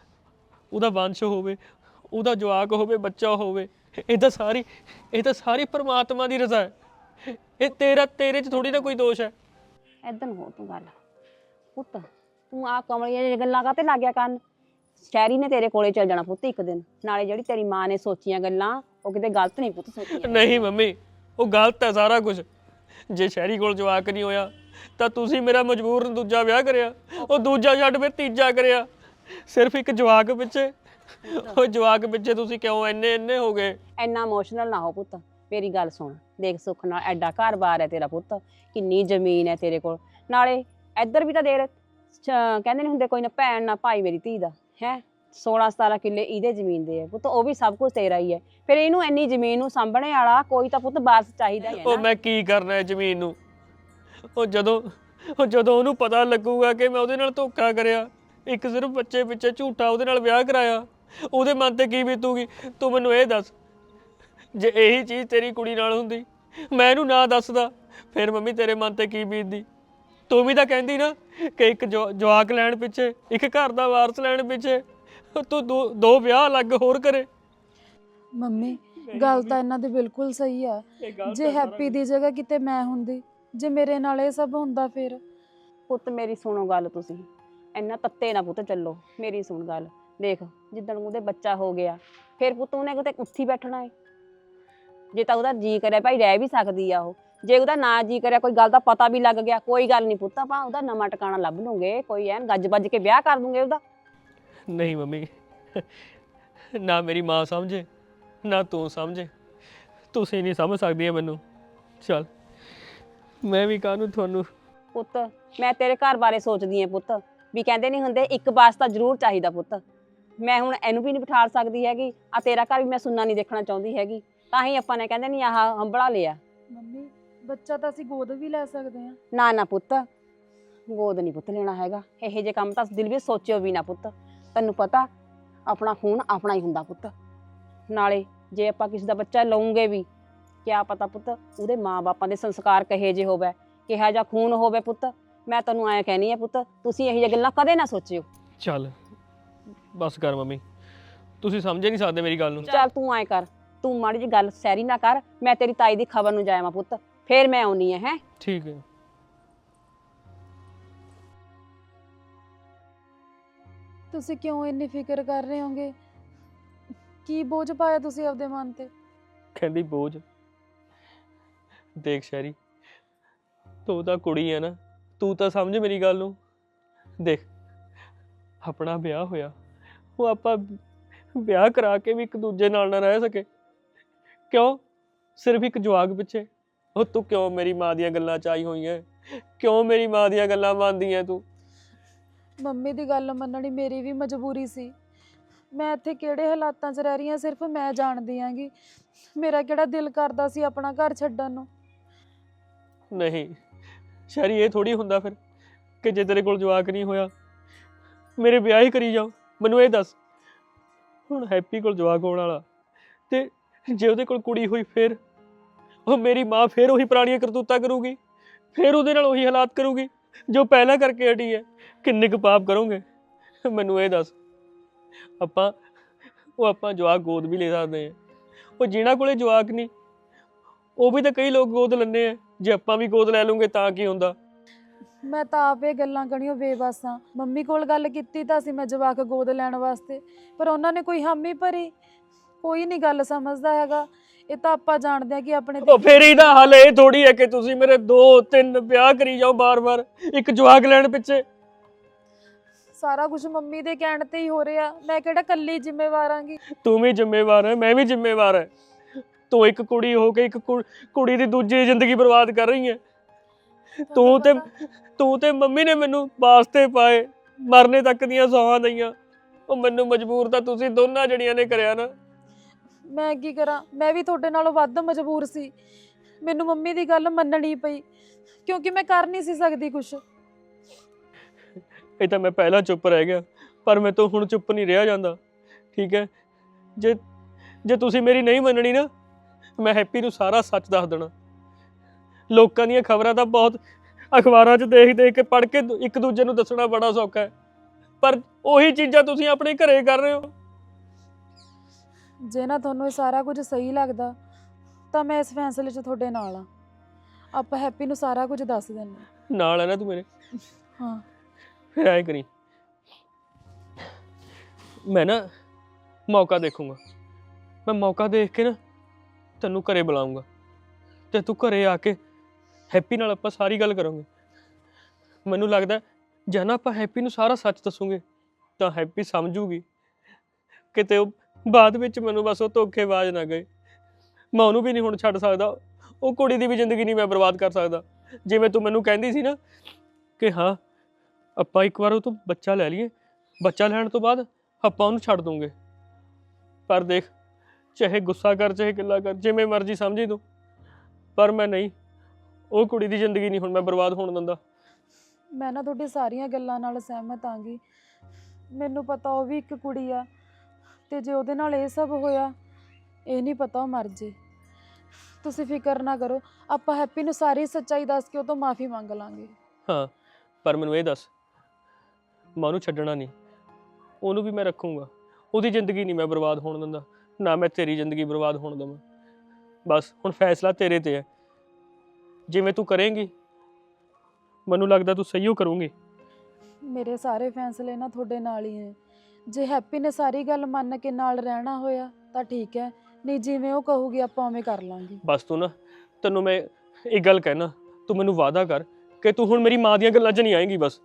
Speaker 2: ਉਹਦਾ ਵੰਸ਼ ਹੋਵੇ, ਉਹਦਾ ਜਵਾਕ ਹੋਵੇ, ਬੱਚਾ ਹੋਵੇ। ਇਹ ਤਾਂ ਸਾਰੀ ਇਹ ਤਾਂ ਸਾਰੀ ਪਰਮਾਤਮਾ ਦੀ ਰਜ਼ਾ ਹੈ, ਇਹ ਤੇਰਾ ਤੇਰੇ 'ਚ ਥੋੜੀ ਨਾ ਕੋਈ ਦੋਸ਼ ਹੈ।
Speaker 5: ਏਦਾਂ ਹੋ ਤੂੰ ਗੱਲ ਪੁੱਤ, ਤੂੰ ਆ ਕਮਲੀਆਂ ਜਿਹੀਆਂ ਗੱਲਾਂ ਕਾਹਤੇ ਲੱਗ ਗਿਆ ਕਰਨ? ਸ਼ੈਰੀ ਨੇ ਤੇਰੇ ਕੋਲੇ ਚੱਲ ਜਾਣਾ ਪੁੱਤ ਇੱਕ ਦਿਨ, ਨਾਲੇ ਜਿਹੜੀ ਤੇਰੀ ਮਾਂ ਨੇ ਸੋਚੀਆਂ ਗੱਲਾਂ ਉਹ ਕਿਤੇ ਗਲਤ ਨਹੀਂ ਪੁੱਤ ਸੋਚੀਆਂ।
Speaker 2: ਨਹੀਂ ਮੰਮੀ, ਉਹ ਗਲਤ ਹੈ ਸਾਰਾ ਕੁਝ। ਜੇ ਸ਼ਹਿਰੀ ਕੋਲ ਜਵਾਕ ਨਹੀਂ ਹੋਇਆ ਤਾਂ ਤੁਸੀਂ ਮੇਰਾ ਮਜਬੂਰ ਦੂਜਾ ਵਿਆਹ ਕਰਿਆ, ਉਹ ਦੂਜਾ ਛੱਡ ਫਿਰ ਤੀਜਾ ਕਰਿਆ, ਸਿਰਫ ਇੱਕ ਜਵਾਕ ਪਿੱਛੇ। ਉਹ ਜਵਾਕ ਪਿੱਛੇ ਤੁਸੀਂ ਕਿਉਂ ਇੰਨੇ ਇੰਨੇ ਹੋ ਗਏ?
Speaker 5: ਇੰਨਾ ਇਮੋਸ਼ਨਲ ਨਾ ਹੋ ਪੁੱਤ, ਮੇਰੀ ਗੱਲ ਸੁਣ। ਦੇਖ ਸੁੱਖ ਨਾਲ ਐਡਾ ਘਰ-ਬਾਰ ਹੈ ਤੇਰਾ ਪੁੱਤ, ਕਿੰਨੀ ਜ਼ਮੀਨ ਹੈ ਤੇਰੇ ਕੋਲ, ਨਾਲੇ ਇੱਧਰ ਵੀ ਤਾਂ ਦੇਰ ਕਹਿੰਦੇ ਨਹੀਂ ਹੁੰਦੇ ਕੋਈ ਨਾ ਭੈਣ ਨਾ ਭਾਈ ਮੇਰੀ ਧੀ ਦਾ ਹੈ। ਸੋਲਾਂ ਸਤਾਰਾਂ ਕਿੱਲੇ ਇਹਦੇ ਜ਼ਮੀਨ ਦੇ ਹੈ ਪੁੱਤ, ਉਹ ਵੀ ਸਭ ਕੁਝ ਤੇਰਾ ਹੀ ਹੈ। ਫਿਰ ਇਹਨੂੰ ਇੰਨੀ ਜ਼ਮੀਨ ਨੂੰ ਸਾਂਭਣੇ ਵਾਲਾ ਕੋਈ ਤਾਂ ਪੁੱਤ ਵਾਰਸ ਚਾਹੀਦਾ ਹੀ ਹੈ
Speaker 2: ਉਹ
Speaker 5: ਨਾ।
Speaker 2: ਮੈਂ ਕੀ ਕਰਨਾ ਹੈ ਜ਼ਮੀਨ ਨੂੰ? ਉਹ ਜਦੋਂ ਉਹ ਜਦੋਂ ਉਹਨੂੰ ਪਤਾ ਲੱਗੂਗਾ ਕਿ ਮੈਂ ਉਹਦੇ ਨਾਲ ਧੋਖਾ ਕਰਿਆ, ਇੱਕ ਸਿਰਫ ਬੱਚੇ ਪਿੱਛੇ ਝੂਠਾ ਉਹਦੇ ਨਾਲ ਵਿਆਹ ਕਰਾਇਆ, ਉਹਦੇ ਮਨ ਤੇ ਕੀ ਬੀਤੂਗੀ? ਤੂੰ ਮੈਨੂੰ ਇਹ ਦੱਸ। ਜੇ ਇਹੀ ਚੀਜ਼ ਤੇਰੀ ਕੁੜੀ ਨਾਲ ਹੁੰਦੀ, ਮੈਂ ਇਹਨੂੰ ਨਾ ਦੱਸਦਾ, ਫਿਰ ਮੰਮੀ ਤੇਰੇ ਮਨ ਤੇ ਕੀ ਬੀਤਦੀ? ਤੂੰ ਵੀ ਤਾਂ ਕਹਿੰਦੀ ਨਾ ਕਿ ਇੱਕ ਜੋ- ਜਵਾਕ ਲੈਣ ਪਿੱਛੇ, ਇੱਕ ਘਰ ਦਾ ਵਾਰਸ ਲੈਣ ਪਿੱਛੇ ਤੂੰ ਦੋ ਦੋ ਵਿਆਹ ਅਲੱਗ ਹੋਰ ਕਰੇ।
Speaker 1: ਮੰਮੀ ਗੱਲ ਤਾਂ ਇਹਨਾਂ ਦੀ ਬਿਲਕੁਲ ਸਹੀ ਆ। ਜੇ ਹੈਪੀ ਦੀ ਜਗ੍ਹਾ ਕਿਤੇ ਮੈਂ ਹੁੰਦੀ, ਜੇ ਮੇਰੇ ਨਾਲ ਇਹ ਸਭ ਹੁੰਦਾ ਫਿਰ?
Speaker 5: ਪੁੱਤ ਮੇਰੀ ਸੁਣੋ ਗੱਲ, ਤੁਸੀਂ ਇੰਨਾ ਤੱਤੇ ਨਾ ਪੁੱਤ ਚੱਲੋ, ਮੇਰੀ ਸੁਣ ਗੱਲ। ਦੇਖ ਜਿੱਦਣ ਉਹਦੇ ਬੱਚਾ ਹੋ ਗਿਆ ਫਿਰ ਪੁੱਤ ਉਹਨੇ ਕਿਤੇ ਉੱਥੀ ਬੈਠਣਾ ਹੈ। ਜੇ ਤਾਂ ਉਹਦਾ ਜੀ ਕਰਿਆ ਭਾਈ ਰਹਿ ਵੀ ਸਕਦੀ ਆ ਉਹ, ਜੇ ਉਹਦਾ ਨਾ ਜੀ ਕਰਿਆ ਕੋਈ ਗੱਲ ਦਾ ਪਤਾ ਵੀ ਲੱਗ ਗਿਆ, ਕੋਈ ਗੱਲ ਨਹੀਂ ਪੁੱਤ, ਆਪਾਂ ਉਹਦਾ ਨਵਾਂ ਟਿਕਾਣਾ ਲੱਭ ਲੂੰਗੇ, ਕੋਈ ਐਨ ਗੱਜ ਵੱਜ ਕੇ ਵਿਆਹ ਕਰ ਦੂੰਗੇ ਉਹਦਾ।
Speaker 2: ਨਹੀਂ ਮੰਮੀ, ਨਾ ਮੇਰੀ ਮਾਂ ਸਮਝੇ ਨਾ ਤੂੰ ਸਮਝੇ, ਤੁਸੀਂ ਨਹੀਂ ਸਮਝ ਸਕਦੀਆਂ ਮੈਨੂੰ। ਚੱਲ ਮੈਂ ਵੀ ਕਾਹਨੂੰ ਤੁਹਾਨੂੰ।
Speaker 5: ਪੁੱਤ ਮੈਂ ਤੇਰੇ ਘਰ ਬਾਰੇ ਸੋਚਦੀ ਆਂ ਪੁੱਤ, ਵੀ ਕਹਿੰਦੇ ਨਹੀਂ ਹੁੰਦੇ ਇੱਕ ਬਾਸ ਤਾਂ ਜ਼ਰੂਰ ਚਾਹੀਦਾ ਪੁੱਤ। ਮੈਂ ਹੁਣ ਇਹਨੂੰ ਵੀ ਨਹੀਂ ਬਿਠਾ ਸਕਦੀ ਹੈਗੀ, ਆ ਤੇਰਾ ਘਰ ਵੀ ਮੈਂ ਸੁਣਨਾ ਨਹੀਂ ਦੇਖਣਾ ਚਾਹੁੰਦੀ ਹੈਗੀ, ਤਾਂ ਹੀ ਆਪਾਂ ਨੇ ਕਹਿੰਦੇ ਨਹੀਂ ਆਹ ਹੰਬੜਾ ਲਿਆ।
Speaker 1: ਮੰਮੀ ਬੱਚਾ ਤਾਂ ਅਸੀਂ ਗੋਦ ਵੀ ਲੈ ਸਕਦੇ ਹਾਂ।
Speaker 5: ਨਾ ਨਾ ਪੁੱਤ, ਗੋਦ ਨਹੀਂ ਪੁੱਤ ਲੈਣਾ ਹੈਗਾ, ਇਹੋ ਜਿਹੇ ਕੰਮ ਤਾਂ ਦਿਲ ਵਿੱਚ ਸੋਚਿਓ ਵੀ ਨਾ ਪੁੱਤ। ਤੈਨੂੰ ਪਤਾ ਆਪਣਾ ਖੂਨ ਆਪਣਾ ਹੀ ਹੁੰਦਾ ਪੁੱਤ, ਨਾਲੇ ਜੇ ਆਪਾਂ ਕਿਸੇ ਦਾ ਬੱਚਾ ਲਵਾਂਗੇ ਵੀ, ਕਿਆ ਪਤਾ ਪੁੱਤ ਉਹਦੇ ਮਾਂ-ਬਾਪਾਂ ਦੇ ਸੰਸਕਾਰ ਕਹੇ ਜਿਹੇ ਹੋਵੇ, ਕਿਹਾ ਜਿਹਾ ਖੂਨ ਹੋਵੇ ਪੁੱਤ। ਮੈਂ ਤੈਨੂੰ ਐਂ ਕਹਿਣੀ ਆ ਪੁੱਤ, ਤੁਸੀਂ ਇਹੋ ਜਿਹੀਆਂ ਗੱਲਾਂ ਕਦੇ ਨਾ ਸੋਚਿਓ।
Speaker 2: ਚੱਲ ਬਸ ਕਰ ਮੰਮੀ, ਤੁਸੀਂ ਸਮਝੇ ਨਹੀਂ ਸਕਦੇ ਮੇਰੀ ਗੱਲ ਨੂੰ।
Speaker 5: ਚੱਲ ਤੂੰ ਐਂ ਕਰ, ਤੂੰ ਮਾੜੀ ਜਿਹੀ ਗੱਲ ਸੈਰੀ ਨਾ ਕਰ, ਮੈਂ ਤੇਰੀ ਤਾਈ ਦੀ ਖਬਰ ਨੂੰ ਜਾਇਆ ਪੁੱਤ, ਫੇਰ ਮੈਂ ਆਉਣੀ ਹੈ। ਹੈ
Speaker 2: ਠੀਕ ਹੈ।
Speaker 1: ਤੁਸੀਂ ਕਿਉਂ ਇੰਨੀ ਫਿਕਰ ਕਰ ਰਹੇ ਹੋਗੇ? ਕੀ ਬੋਝ ਪਾਇਆ ਤੁਸੀਂ ਆਪਦੇ ਮਨ ਤੇ?
Speaker 2: ਕਹਿੰਦੀ ਬੋਝ? ਦੇਖ ਸ਼ੈਰੀ, ਤੂੰ ਤਾਂ ਕੁੜੀ ਹੈ ਨਾ, ਤੂੰ ਤਾਂ ਸਮਝ ਮੇਰੀ ਗੱਲ ਨੂੰ। ਦੇਖ ਆਪਣਾ ਵਿਆਹ ਹੋਇਆ, ਉਹ ਆਪਾਂ ਵਿਆਹ ਕਰਾ ਕੇ ਵੀ ਇੱਕ ਦੂਜੇ ਨਾਲ ਨਾ ਰਹਿ ਸਕੇ, ਕਿਉਂ? ਸਿਰਫ ਇੱਕ ਜਵਾਕ ਪਿੱਛੇ। ਉਹ ਤੂੰ ਕਿਉਂ ਮੇਰੀ ਮਾਂ ਦੀਆਂ ਗੱਲਾਂ 'ਚ ਆਈ ਹੋਈ ਹੈ? ਕਿਉਂ ਮੇਰੀ ਮਾਂ ਦੀਆਂ ਗੱਲਾਂ ਮੰਨਦੀ ਹੈ ਤੂੰ?
Speaker 1: ਮੰਮੀ ਦੀ ਗੱਲ ਮੰਨਣੀ ਮੇਰੀ ਵੀ ਮਜਬੂਰੀ ਸੀ। ਮੈਂ ਇੱਥੇ ਕਿਹੜੇ ਹਾਲਾਤਾਂ 'ਚ ਰਹਿ ਰਹੀ ਹਾਂ ਸਿਰਫ ਮੈਂ ਜਾਣਦੀ ਆਂਗੀ। ਮੇਰਾ ਕਿਹੜਾ ਦਿਲ ਕਰਦਾ ਸੀ ਆਪਣਾ ਘਰ ਛੱਡਣ ਨੂੰ।
Speaker 2: ਨਹੀਂ ਸ਼ੈਰੀ, ਇਹ ਥੋੜੀ ਹੁੰਦਾ ਫਿਰ ਕਿ ਜੇ ਤੇਰੇ ਕੋਲ ਜਵਾਕ ਨਹੀਂ ਹੋਇਆ ਮੇਰੇ ਵਿਆਹ ਹੀ ਕਰੀ ਜਾਓ। ਮੈਨੂੰ ਇਹ ਦੱਸ, ਹੁਣ ਹੈਪੀ ਕੋਲ ਜਵਾਕ ਹੋਣ ਵਾਲਾ, ਤੇ ਜੇ ਉਹਦੇ ਕੋਲ ਕੁੜੀ ਹੋਈ ਫਿਰ ਉਹ ਮੇਰੀ ਮਾਂ ਫਿਰ ਉਹੀ ਪੁਰਾਣੀਆਂ ਕਰਤੂਤਾਂ ਕਰੂਗੀ, ਫਿਰ ਉਹਦੇ ਨਾਲ ਉਹੀ ਹਾਲਾਤ ਕਰੂਗੀ ਜੋ ਪਹਿਲਾਂ ਕਰਕੇ ਹਟੀ ਹੈ। ਕਿੰਨੇ ਕੁ ਪਾਪ ਕਰੋਗੇ ਮੈਨੂੰ ਇਹ ਦੱਸ। ਆਪਾਂ ਉਹ ਆਪਾਂ ਜਵਾਕ ਗੋਦ ਵੀ ਲੈ ਸਕਦੇ ਹਾਂ, ਉਹ ਜਿਨ੍ਹਾਂ ਕੋਲੇ ਜਵਾਕ ਨਹੀਂ ਉਹ ਵੀ ਤਾਂ ਕਈ ਲੋਕ ਗੋਦ ਲੈਂਦੇ ਆ। ਜੇ ਆਪਾਂ ਵੀ ਗੋਦ ਲੈ ਲੂੰਗੇ ਤਾਂ ਕੀ ਹੁੰਦਾ।
Speaker 1: ਮੈਂ ਤਾਂ ਆਪ ਇਹ ਗੱਲਾਂ ਕਣੀਓ ਬੇਬਸ ਹਾਂ। ਮੰਮੀ ਕੋਲ ਗੱਲ ਕੀਤੀ ਤਾਂ ਸੀ ਮੈਂ ਜਵਾਕ ਗੋਦ ਲੈਣ ਵਾਸਤੇ, ਪਰ ਉਹਨਾਂ ਨੇ ਕੋਈ ਹਾਮੀ ਭਰੀ। ਕੋਈ ਨਹੀਂ ਗੱਲ ਸਮਝਦਾ ਹੈਗਾ। ਇਹ ਤਾਂ ਆਪਾਂ ਜਾਣਦੇ ਆ ਕਿ ਆਪਣੇ
Speaker 2: ਉਹ ਫਿਰ ਇਹਦਾ ਹੱਲ ਇਹ ਥੋੜੀ ਹੈ ਕਿ ਤੁਸੀਂ ਮੇਰੇ ਦੋ ਤਿੰਨ ਵਿਆਹ ਕਰੀ ਜਾਓ ਬਾਰ-ਬਾਰ ਇੱਕ ਜਵਾਕ ਲੈਣ ਪਿੱਛੇ।
Speaker 1: ਸਾਰਾ ਕੁਝ ਮੰਮੀ ਦੇ ਕਹਿਣ ਤੇ ਹੀ ਹੋ ਰਿਹਾ। ਮੈਂ ਕਿਹੜਾ ਕੱਲੀ ਜ਼ਿੰਮੇਵਾਰ ਆਂਗੀ।
Speaker 2: ਤੂੰ ਵੀ ਜ਼ਿੰਮੇਵਾਰ ਹੈ, ਮੈਂ ਵੀ ਜ਼ਿੰਮੇਵਾਰ ਹੈ। ਤੂੰ ਇੱਕ ਕੁੜੀ ਹੋ ਕੇ ਇੱਕ ਕੁ- ਕੁੜੀ ਦੀ ਦੂਜੀ ਜ਼ਿੰਦਗੀ ਬਰਬਾਦ ਕਰ ਰਹੀ ਹੈ। ਤੂੰ ਤੇ ਤੂੰ ਤੇ ਮੰਮੀ ਨੇ ਮੈਨੂੰ ਵਾਸਤੇ ਪਾਏ, ਮਰਨੇ ਤੱਕ ਦੀਆਂ ਸੌਹਾਂ ਦਈਆਂ। ਉਹ ਮੈਨੂੰ ਮਜਬੂਰ ਤਾਂ ਤੁਸੀਂ ਦੋਨਾਂ ਜਣੀਆਂ ਨੇ ਕਰਿਆ ਨਾ।
Speaker 1: ਮੈਂ ਕੀ ਕਰਾਂ, ਮੈਂ ਵੀ ਤੁਹਾਡੇ ਨਾਲੋਂ ਵੱਧ ਮਜਬੂਰ ਸੀ। ਮੈਨੂੰ ਮੰਮੀ ਦੀ ਗੱਲ ਮੰਨਣੀ ਪਈ ਕਿਉਂਕਿ ਮੈਂ ਕਰ ਨਹੀਂ ਸੀ ਸਕਦੀ ਕੁਝ।
Speaker 2: ਇਹ ਤਾਂ ਮੈਂ ਪਹਿਲਾਂ ਚੁੱਪ ਰਹਿ ਗਿਆ, ਪਰ ਮੈਂ ਤੋਂ ਹੁਣ ਚੁੱਪ ਨਹੀਂ ਰਿਹਾ ਜਾਂਦਾ। ਠੀਕ ਹੈ, ਜੇ ਜੇ ਤੁਸੀਂ ਮੇਰੀ ਨਹੀਂ ਮੰਨਣੀ ਨਾ, ਮੈਂ ਹੈਪੀ ਨੂੰ ਸਾਰਾ ਸੱਚ ਦੱਸ ਦੇਣਾ। ਲੋਕਾਂ ਦੀਆਂ ਖਬਰਾਂ ਤਾਂ ਬਹੁਤ ਅਖਬਾਰਾਂ 'ਚ ਦੇਖ ਦੇਖ ਕੇ ਪੜ੍ਹ ਕੇ ਇੱਕ ਦੂਜੇ ਨੂੰ ਦੱਸਣਾ ਬੜਾ ਸੌਖਾ ਹੈ, ਪਰ ਉਹੀ ਚੀਜ਼ਾਂ ਤੁਸੀਂ ਆਪਣੇ ਘਰੇ ਕਰ ਰਹੇ ਹੋ।
Speaker 1: ਜੇ ਨਾ ਤੁਹਾਨੂੰ ਇਹ ਸਾਰਾ ਕੁਝ ਸਹੀ ਲੱਗਦਾ ਤਾਂ ਮੈਂ ਇਸ ਫੈਸਲੇ 'ਚ ਤੁਹਾਡੇ ਨਾਲ ਆ। ਆਪਾਂ ਹੈਪੀ ਨੂੰ ਸਾਰਾ ਕੁਝ ਦੱਸ ਦਿੰਦੇ ਹਾਂ।
Speaker 2: ਨਾਲ ਹੈ ਨਾ ਤੂੰ ਮੇਰੇ?
Speaker 1: ਹਾਂ।
Speaker 2: ਫਿਰ ਐਂ ਕਰੀ, ਮੈਂ ਨਾ ਮੌਕਾ ਦੇਖੂੰਗਾ। ਮੈਂ ਮੌਕਾ ਦੇਖ ਕੇ ਨਾ ਤੈਨੂੰ ਘਰੇ ਬੁਲਾਉਂਗਾ ਤੇ ਤੂੰ ਘਰੇ ਆ ਕੇ ਹੈਪੀ ਨਾਲ ਆਪਾਂ ਸਾਰੀ ਗੱਲ ਕਰਾਂਗੇ। ਮੈਨੂੰ ਲੱਗਦਾ ਜੇ ਨਾ ਆਪਾਂ ਹੈਪੀ ਨੂੰ ਸਾਰਾ ਸੱਚ ਦੱਸੂਗੇ ਤਾਂ ਹੈਪੀ ਸਮਝੂਗੀ। ਕਿਤੇ ਉਹ ਬਾਅਦ ਵਿੱਚ ਮੈਨੂੰ ਬਸ ਉਹ ਧੋਖੇਬਾਜ਼ ਨਾ ਗਏ। ਮੈਂ ਉਹਨੂੰ ਵੀ ਨਹੀਂ ਹੁਣ ਛੱਡ ਸਕਦਾ, ਉਹ ਕੁੜੀ ਦੀ ਵੀ ਜ਼ਿੰਦਗੀ ਨਹੀਂ ਮੈਂ ਬਰਬਾਦ ਕਰ ਸਕਦਾ। ਜਿਵੇਂ ਤੂੰ ਮੈਨੂੰ ਕਹਿੰਦੀ ਸੀ ਨਾ ਕਿ ਹਾਂ ਆਪਾਂ ਇੱਕ ਵਾਰ ਉਹ ਤੋਂ ਬੱਚਾ ਲੈ ਲਈਏ, ਬੱਚਾ ਲੈਣ ਤੋਂ ਬਾਅਦ ਆਪਾਂ ਉਹਨੂੰ ਛੱਡ ਦੂੰਗੇ। ਪਰ ਦੇਖ, ਚਾਹੇ ਗੁੱਸਾ ਕਰ ਚਾਹੇ ਗਿੱਲਾ ਕਰ, ਜਿਵੇਂ ਮਰਜ਼ੀ ਸਮਝੀ ਤੂੰ, ਪਰ ਮੈਂ ਨਹੀਂ, ਉਹ ਕੁੜੀ ਦੀ ਜ਼ਿੰਦਗੀ ਨਹੀਂ ਹੁਣ ਮੈਂ ਬਰਬਾਦ ਹੋਣ ਦਿੰਦਾ।
Speaker 1: ਮੈਂ ਨਾ ਤੁਹਾਡੀ ਸਾਰੀਆਂ ਗੱਲਾਂ ਨਾਲ ਸਹਿਮਤ ਆਂਗੀ। ਮੈਨੂੰ ਪਤਾ ਉਹ ਵੀ ਇੱਕ ਕੁੜੀ ਆ ਤੇ ਜੇ ਉਹਦੇ ਨਾਲ ਇਹ ਸਭ ਹੋਇਆ, ਇਹ ਨਹੀਂ ਪਤਾ ਉਹ ਮਰ ਜੇ। ਤੁਸੀਂ ਫਿਕਰ ਨਾ ਕਰੋ, ਆਪਾਂ ਹੈਪੀ ਨੂੰ ਸਾਰੀ ਸੱਚਾਈ ਦੱਸ ਕੇ ਉਹ ਤੋਂ ਮਾਫੀ ਮੰਗ ਲਾਂਗੇ।
Speaker 2: ਹਾਂ, ਪਰ ਮੈਨੂੰ ਇਹ ਦੱਸ, ਮੈਂ ਉਹਨੂੰ ਛੱਡਣਾ ਨਹੀਂ, ਉਹਨੂੰ ਵੀ ਮੈਂ ਰੱਖੂੰਗਾ। ਉਹਦੀ ਜ਼ਿੰਦਗੀ ਨਹੀਂ ਮੈਂ ਬਰਬਾਦ ਹੋਣ ਦਿੰਦਾ, ਨਾ ਮੈਂ ਤੇਰੀ ਜ਼ਿੰਦਗੀ ਬਰਬਾਦ ਹੋਣ ਦੇਵਾਂ। ਬਸ ਹੁਣ ਫੈਸਲਾ ਤੇਰੇ ਤੇ ਹੈ। ਜਿਵੇਂ ਤੂੰ ਕਰੇਂਗੀ ਮੈਨੂੰ ਲੱਗਦਾ ਤੂੰ ਸਹੀ ਓ ਕਰੂੰਗੀ।
Speaker 1: ਮੇਰੇ ਸਾਰੇ ਫੈਸਲੇ ਨਾ ਤੁਹਾਡੇ ਨਾਲ ਹੀ ਹੈ। ਜੇ ਹੈਪੀ ਨੇ ਸਾਰੀ ਗੱਲ ਮੰਨ ਕੇ ਨਾਲ ਰਹਿਣਾ ਹੋਇਆ ਤਾਂ ਠੀਕ ਹੈ, ਨਹੀਂ ਜਿਵੇਂ ਉਹ ਕਹੂਗੀ ਆਪਾਂ ਉਵੇਂ ਕਰ ਲਾਂਗੇ।
Speaker 2: ਬਸ ਤੂੰ ਨਾ, ਤੈਨੂੰ ਮੈਂ ਇੱਕ ਗੱਲ ਕਹਿਣਾ, ਤੂੰ ਮੈਨੂੰ ਵਾਅਦਾ ਕਰ ਕਿ ਤੂੰ ਹੁਣ ਮੇਰੀ ਮਾਂ ਦੀਆਂ ਗੱਲਾਂ 'ਚ ਨਹੀਂ ਆਏਂਗੀ। ਬਸ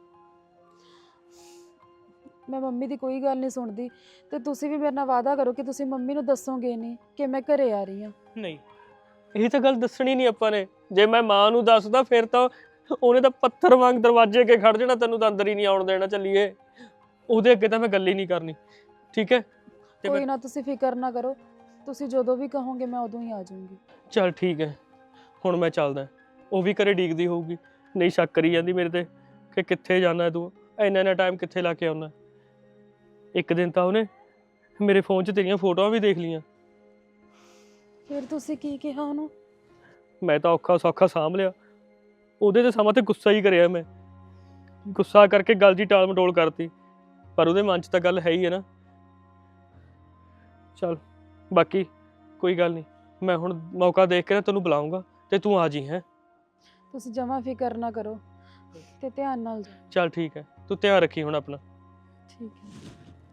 Speaker 1: ਮੈਂ ਮੰਮੀ ਦੀ ਕੋਈ ਗੱਲ ਨਹੀਂ ਸੁਣਦੀ ਤੇ ਤੁਸੀਂ ਵੀ ਮੇਰੇ ਨਾਲ ਵਾਅਦਾ ਕਰੋ ਕਿ ਤੁਸੀਂ ਮੰਮੀ ਨੂੰ ਦੱਸੋਗੇ ਨਹੀਂ ਕਿ ਮੈਂ ਘਰੇ ਆ ਰਹੀ ਹਾਂ।
Speaker 2: ਨਹੀਂ, ਇਹ ਤਾਂ ਗੱਲ ਦੱਸਣੀ ਨਹੀਂ ਆਪਾਂ ਨੇ। ਜੇ ਮੈਂ ਮਾਂ ਨੂੰ ਦੱਸਦਾ ਫਿਰ ਤਾਂ ਉਹਨੇ ਤਾਂ ਪੱਥਰ ਵਾਂਗ ਦਰਵਾਜ਼ੇ ਅੱਗੇ ਖੜ ਜਾਣਾ, ਤੈਨੂੰ ਤਾਂ ਅੰਦਰ ਹੀ ਨਹੀਂ ਆਉਣ ਦੇਣਾ। ਚੱਲੀਏ, ਉਹਦੇ ਅੱਗੇ ਤਾਂ ਮੈਂ ਗੱਲ ਹੀ ਨਹੀਂ ਕਰਨੀ। ਠੀਕ ਹੈ? ਤੇ
Speaker 1: ਕੋਈ
Speaker 2: ਮੈਂ
Speaker 1: ਨਾ, ਤੁਸੀਂ ਫਿਕਰ ਨਾ ਕਰੋ, ਤੁਸੀਂ ਜਦੋਂ ਵੀ ਕਹੋਗੇ ਮੈਂ ਉਦੋਂ ਹੀ ਆ ਜਾਊਂਗੀ।
Speaker 2: ਚੱਲ ਠੀਕ ਹੈ, ਹੁਣ ਮੈਂ ਚੱਲਦਾ। ਉਹ ਵੀ ਘਰੇ ਡੀਕਦੀ ਹੋਊਗੀ, ਨਹੀਂ ਸ਼ੱਕ ਕਰੀ ਜਾਂਦੀ ਮੇਰੇ ਤੇ ਕਿ ਕਿੱਥੇ ਜਾਣਾ ਤੂੰ, ਇੰਨਾ ਇੰਨਾ ਟਾਈਮ ਕਿੱਥੇ ਲਾ ਕੇ ਆਉਣਾ। ਇੱਕ ਦਿਨ ਤਾਂ ਉਹਨੇ ਮੇਰੇ ਫੋਨ 'ਚ ਤੇਰੀਆਂ ਫੋਟੋਆਂ ਵੀ ਦੇਖ ਲਈਆਂ।
Speaker 1: ਫਿਰ ਤੁਸੀਂ ਕੀ ਕਿਹਾ ਉਹਨੂੰ?
Speaker 2: ਮੈਂ ਤਾਂ ਔਖਾ ਸੌਖਾ ਸਾਂਭ ਲਿਆ। ਉਹਦੇ ਤੇ ਸਮਾਂ ਤੇ ਗੁੱਸਾ ਹੀ ਕਰਿਆ ਮੈਂ, ਗੁੱਸਾ ਕਰਕੇ ਗੱਲ ਦੀ ਟਾਲ ਮਟੋਲ ਕਰਤੀ, ਪਰ ਉਹਦੇ ਮਨ 'ਚ ਤਾਂ ਗੱਲ ਹੈ ਹੀ ਹੈ ਨਾ। ਚੱਲ ਬਾਕੀ ਕੋਈ ਗੱਲ ਨਹੀਂ, ਮੈਂ ਹੁਣ ਮੌਕਾ ਦੇਖ ਕੇ ਨਾ ਤੈਨੂੰ ਬੁਲਾਊਂਗਾ ਤੇ ਤੂੰ ਆ ਜੀ। ਹੈ?
Speaker 1: ਤੁਸੀਂ ਜਮਾਂ ਫਿਕਰ ਨਾ ਕਰੋ ਤੇ ਧਿਆਨ ਨਾਲ ਜਾਓ।
Speaker 2: ਚੱਲ ਠੀਕ ਹੈ, ਤੂੰ ਧਿਆਨ ਰੱਖੀ ਹੁਣ ਆਪਣਾ।
Speaker 1: ਠੀਕ ਹੈ।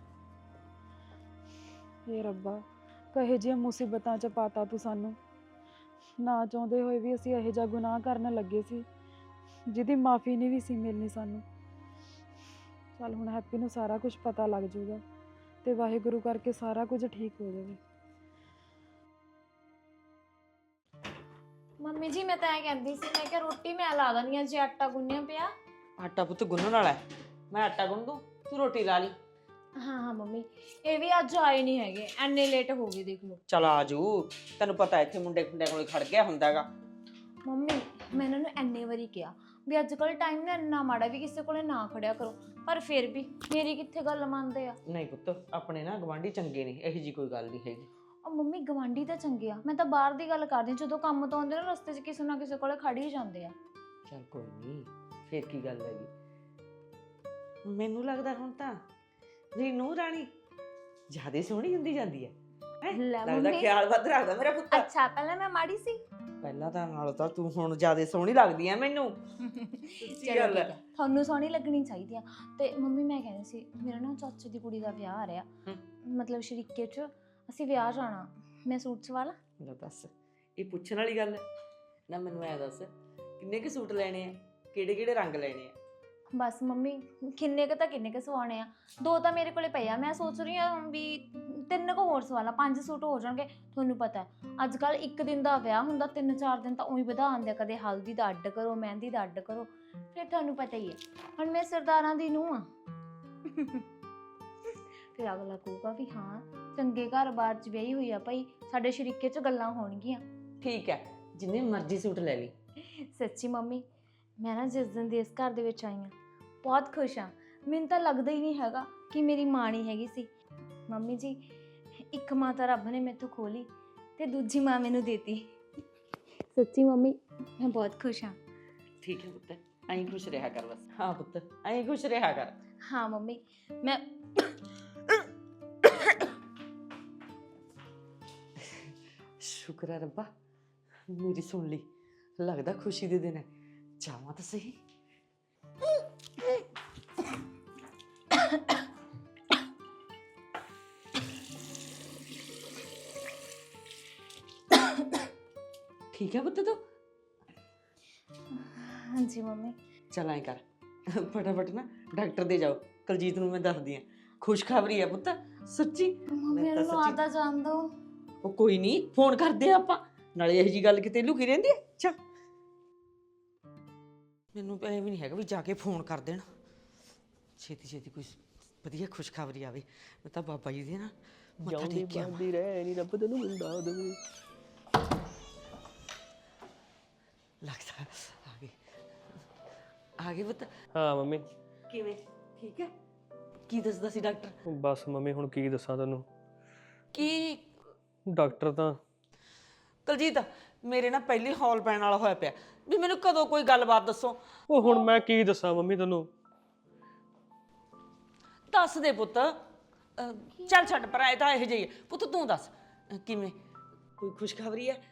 Speaker 1: ਇਹ ਰੱਬਾ, ਕਹੇ ਜਿਹੀਆਂ ਮੁਸੀਬਤਾਂ 'ਚ ਪਾਤਾ ਤੂੰ ਸਾਨੂੰ। ਨਾ ਚਾਹੁੰਦੇ ਹੋਏ ਵੀ ਅਸੀਂ ਇਹੋ ਜਿਹਾ ਗੁਨਾਹ ਕਰਨ ਲੱਗੇ ਸੀ ਜਿਹਦੀ ਮਾਫੀ ਨਹੀਂ ਵੀ ਸੀ ਮਿਲਣੀ ਸਾਨੂੰ। ਚੱਲ ਹੁਣ ਹੈਪੀ ਨੂੰ ਸਾਰਾ ਕੁਝ ਪਤਾ ਲੱਗ ਜਾਊਗਾ ਤੇ ਵਾਹਿਗੁਰੂ ਕਰਕੇ ਸਾਰਾ ਕੁਝ ਠੀਕ ਹੋ ਜਾਵੇ।
Speaker 4: ਮੰਮੀ ਜੀ ਮੈਂ ਤਾਂ ਇਹ ਕਹਿੰਦੀ ਸੀ, ਮੈਂ ਕਿਹਾ ਰੋਟੀ ਮੈਂ ਲਾ ਦਣੀ ਆ ਜੇ ਆਟਾ ਗੁੰਨਿਆ ਪਿਆ।
Speaker 6: ਆਟਾ ਪੁੱਤ ਗੁੰਨਣ ਵਾਲਾ ਹੈ, ਮੈਂ ਆਟਾ ਗੁੰਨ ਦੂੰ, ਤੂੰ ਰੋਟੀ ਲਾ ਲਈ।
Speaker 4: ਹਾਂ ਹਾਂ ਮੰਮੀ, ਇਹ ਵੀ ਅੱਜ ਆਏ ਨਹੀਂ ਹੈਗੇ, ਐਨੇ ਲੇਟ ਹੋ ਗਏ ਦੇਖ ਲਓ।
Speaker 6: ਚਲ ਆਜੂ, ਤੈਨੂੰ ਪਤਾ ਇੱਥੇ ਮੁੰਡੇ ਖੁੰਡੇ ਕੋਲ ਖੜ ਗਿਆ ਹੁੰਦਾ ਹੈਗਾ।
Speaker 4: ਮੰਮੀ ਮੈਂ ਇਹਨਾਂ ਨੂੰ ਐਨੇ ਵਾਰੀ ਕਿਹਾ ਵੀ ਅੱਜ ਕੱਲ੍ਹ ਟਾਈਮ ਨਾ ਇੰਨਾ ਮਾੜਾ ਵੀ ਕਿਸੇ ਕੋਲੇ ਨਾ ਖੜਿਆ ਕਰੋ, ਪਰ ਫਿਰ ਵੀ ਮੇਰੀ ਕਿੱਥੇ ਗੱਲ ਮੰਨਦੇ ਆ।
Speaker 6: ਨਹੀਂ ਪੁੱਤ, ਆਪਣੇ ਨਾ ਗਵਾਂਢੀ ਚੰਗੇ ਨੇ, ਇਹੋ ਜੀ ਕੋਈ ਗੱਲ ਨਹੀਂ ਹੈਗੀ।
Speaker 4: ਉਹ ਮੰਮੀ ਗਵਾਂਢੀ ਤਾਂ ਚੰਗੇ ਆ, ਮੈਂ ਤਾਂ ਬਾਹਰ ਦੀ ਗੱਲ ਕਰਦੀ, ਜਦੋਂ ਕੰਮ ਤੋਂ ਆਉਂਦੇ ਨਾ ਰਸਤੇ 'ਚ ਕਿਸੇ ਨਾ ਕਿਸੇ ਕੋਲੇ ਖੜ ਹੀ ਜਾਂਦੇ ਆ।
Speaker 6: ਚੱਲ ਕੋਈ ਨਹੀਂ, ਫੇਰ ਕੀ ਗੱਲ ਹੈਗੀ। ਮੈਨੂੰ ਲੱਗਦਾ ਹੁਣ ਤਾਂ ਮੇਰੀ ਨੂੰਹ ਰਾਣੀ ਜ਼ਿਆਦਾ ਸੋਹਣੀ ਹੁੰਦੀ ਜਾਂਦੀ ਹੈ। ਹੈਂ?
Speaker 4: ਲੈ
Speaker 6: ਲੱਗਦਾ
Speaker 4: ਮੰਮੀ।
Speaker 6: ਖਿਆਲ ਵੱਧ ਰੱਖਦਾ ਮੇਰਾ ਪੁੱਤ।
Speaker 4: ਅੱਛਾ ਪਹਿਲਾਂ ਮੈਂ ਮਾੜੀ ਸੀ।
Speaker 6: ਪਹਿਲਾਂ ਤਾਂ ਨਾਲੋਂ ਤਾਂ ਤੂੰ ਹੁਣ ਜ਼ਿਆਦਾ ਸੋਹਣੀ ਲੱਗਦੀ ਹੈ ਮੈਨੂੰ।
Speaker 4: ਚਲੋ
Speaker 6: ਗੱਲ
Speaker 4: ਠੀਕ
Speaker 6: ਹੈ।
Speaker 4: ਹੈ, ਤੁਹਾਨੂੰ ਸੋਹਣੀ ਲੱਗਣੀ ਚਾਹੀਦੀ ਆ। ਤੇ ਮੰਮੀ ਮੈਂ ਕਹਿੰਦੀ ਸੀ, ਮੇਰਾ ਨਾ ਚਾਚੇ ਦੀ ਕੁੜੀ ਦਾ ਵਿਆਹ ਆ ਰਿਹਾ,
Speaker 6: ਹਮ।
Speaker 4: ਮਤਲਬ ਸ਼ਰੀਕੇ 'ਚ ਅਸੀਂ ਵਿਆਹ ਜਾਣਾ। ਮੈਂ ਸੂਟ ਸਵਾ ਲਾਂ?
Speaker 6: ਲੈ ਦੱਸ, ਇਹ ਪੁੱਛਣ ਵਾਲੀ ਗੱਲ ਹੈ ਨਾ। ਮੈਨੂੰ ਐ ਦੱਸ, ਕਿੰਨੇ ਕੁ ਸੂਟ ਲੈਣੇ ਆ, ਕਿਹੜੇ ਕਿਹੜੇ ਰੰਗ ਲੈਣੇ ਆ?
Speaker 4: ਬਸ ਮੰਮੀ, ਕਿੰਨੇ ਕੁ ਤਾਂ ਕਿੰਨੇ ਕੁ ਸਵਾਉਣੇ ਆ। ਦੋ ਤਾਂ ਮੇਰੇ ਕੋਲੇ ਪਏ ਆ, ਮੈਂ ਸੋਚ ਰਹੀ ਹਾਂ ਵੀ ਤਿੰਨ ਕੁ ਹੋਰ ਸਵਾ ਲਾਂ, ਪੰਜ ਸੂਟ ਹੋ ਜਾਣਗੇ। ਤੁਹਾਨੂੰ ਪਤਾ ਅੱਜ ਕੱਲ ਇੱਕ ਦਿਨ ਦਾ ਵਿਆਹ ਹੁੰਦਾ, ਤਿੰਨ ਚਾਰ ਦਿਨ ਤਾਂ ਉਹੀ ਵਧਾ ਆਉਂਦੇ ਆ। ਕਦੇ ਹਲਦੀ ਦਾ ਅੱਡ ਕਰੋ, ਮਹਿੰਦੀ ਦਾ ਅੱਡ ਕਰੋ, ਫਿਰ ਤੁਹਾਨੂੰ ਪਤਾ ਹੀ ਹੈ ਹੁਣ ਮੈਂ ਸਰਦਾਰਾਂ ਦੀ ਨੂੰਹ ਆ। ਫਿਰ ਅਗਲਾ ਕਹੂਗਾ ਵੀ ਹਾਂ ਚੰਗੇ ਘਰ-ਬਾਰ 'ਚ ਵਿਆਹੀ ਹੋਈ ਆ ਭਾਈ, ਸਾਡੇ ਸ਼ਰੀਕੇ 'ਚ ਗੱਲਾਂ ਹੋਣਗੀਆਂ।
Speaker 6: ਠੀਕ ਹੈ, ਜਿੰਨੇ ਮਰਜ਼ੀ ਸੂਟ ਲੈ ਲਈ।
Speaker 4: ਸੱਚੀ ਮੰਮੀ, ਮੈਂ ਨਾ ਜਿਸ ਦਿਨ ਦੀ ਇਸ ਘਰ ਦੇ ਵਿੱਚ ਆਈ ਹਾਂ ਬਹੁਤ ਖੁਸ਼ ਹਾਂ। ਮੈਨੂੰ ਤਾਂ ਲੱਗਦਾ ਹੀ ਨਹੀਂ ਹੈਗਾ ਕਿ ਮੇਰੀ ਮਾਂ ਨਹੀਂ ਹੈਗੀ ਸੀ। ਮੰਮੀ ਜੀ, ਇੱਕ ਮਾਂ ਤਾਂ ਰੱਬ ਨੇ ਮੈਥੋਂ ਖੋਹ ਲਈ ਤੇ ਦੂਜੀ ਮਾਂ ਮੈਨੂੰ ਦੇਤੀ। ਸੱਚੀ ਮੰਮੀ, ਮੈਂ ਬਹੁਤ ਖੁਸ਼ ਹਾਂ।
Speaker 6: ਠੀਕ ਹੈ ਪੁੱਤ, ਐਂ ਖੁਸ਼ ਰਿਹਾ ਕਰ ਬਸ। ਹਾਂ ਪੁੱਤ, ਐਂ ਖੁਸ਼ ਰਿਹਾ ਕਰ।
Speaker 4: ਹਾਂ ਮੰਮੀ, ਮੈਂ
Speaker 6: ਸ਼ੁਕਰ ਹੈ ਰੱਬਾ, ਮੇਰੀ ਸੁਣ ਲਈ। ਲੱਗਦਾ ਖੁਸ਼ੀ ਦੇ ਦਿਨ ਹੈ, ਜਾਵਾਂ ਤਾਂ ਸਹੀ। ਠੀਕ ਹੈ ਪੁੱਤ ਤੂੰ?
Speaker 4: ਹਾਂਜੀ ਮੰਮੀ।
Speaker 6: ਚਲ ਐਂ ਕਰ, ਫਟਾਫਟ ਨਾ ਡਾਕਟਰ ਦੇ ਜਾਓ। ਕੁਲਜੀਤ ਨੂੰ ਮੈਂ ਦੱਸਦੀ ਹਾਂ, ਖੁਸ਼ਖਬਰੀ ਹੈ ਪੁੱਤ, ਸੱਚੀ।
Speaker 4: ਮੰਮੀ
Speaker 6: ਮੈਂ ਤਾਂ
Speaker 4: ਨੂੰ
Speaker 6: ਸੱਚੀ-
Speaker 4: ਆਦਾ ਜਾਣ ਦੋ।
Speaker 6: ਉਹ ਕੋਈ ਨਹੀਂ, ਫੋਨ ਕਰਦੇ ਆ ਆਪਾਂ, ਨਾਲੇ ਇਹੋ ਜੀ ਗੱਲ ਕਿਤੇ ਲੁਕੀ ਰਹਿੰਦੀ ਹੈ। ਚੱਲ, ਮੈਨੂੰ ਐ ਵੀ ਨਹੀਂ ਹੈਗਾ ਵੀ ਜਾ ਕੇ ਫੋਨ ਕਰ ਦੇਣ। ਛੇਤੀ ਛੇਤੀ ਕੋਈ ਵਧੀਆ ਖੁਸ਼ਖਬਰੀ ਆਵੇ। ਮੈਂ ਤਾਂ ਬਾਬਾ ਜੀ ਦੇ ਨਾ ਮੱਥਾ
Speaker 2: ਜਿਉਂਦੀ
Speaker 6: ਟੇਕ ਕੇ ਆਵਾਂ।
Speaker 2: ਬਣਦੀ ਰਹਿ ਨੀ ਰੱਬ ਤੈਨੂੰ ਮੁੰਡਾ ਦੇਵੇ।
Speaker 6: ਲੱਗਦਾ ਆ ਗਏ, ਆ ਗਏ ਪੁੱਤ।
Speaker 2: ਹਾਂ ਮੰਮੀ।
Speaker 6: ਕਿਵੇਂ, ਠੀਕ ਹੈ? ਕੀ ਦੱਸਦਾ ਸੀ ਡਾਕਟਰ?
Speaker 2: ਬਸ ਮੰਮੀ ਹੁਣ ਕੀ ਦੱਸਾਂ ਤੈਨੂੰ,
Speaker 6: ਕੀ
Speaker 2: ਡਾਕਟਰ ਤਾਂ
Speaker 6: ਕੁਲਜੀਤ, ਮੇਰੇ ਨਾਲ ਪਹਿਲੀ ਹੌਲ ਪੈਣ ਵਾਲਾ ਹੋਇਆ ਪਿਆ ਵੀ ਮੈਨੂੰ ਕਦੋਂ ਕੋਈ ਗੱਲਬਾਤ ਦੱਸੋ।
Speaker 2: ਉਹ ਹੁਣ ਮੈਂ ਕੀ ਦੱਸਾਂ ਮੰਮੀ ਤੈਨੂੰ।
Speaker 6: ਦੱਸ ਦੇ ਪੁੱਤ। ਅਹ, ਚੱਲ ਛੱਡ ਪਰ ਇਹ ਤਾਂ ਇਹੋ ਜਿਹੀ ਹੈ। ਪੁੱਤ ਤੂੰ ਦੱਸ, ਅਹ, ਕਿਵੇਂ, ਕੋਈ ਖੁਸ਼ਖਬਰੀ ਹੈ?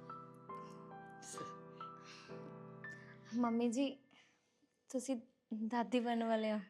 Speaker 4: ਮੰਮੀ ਜੀ, ਤੁਸੀਂ ਦਾਦੀ ਬਣਨ ਵਾਲੇ ਹੋ।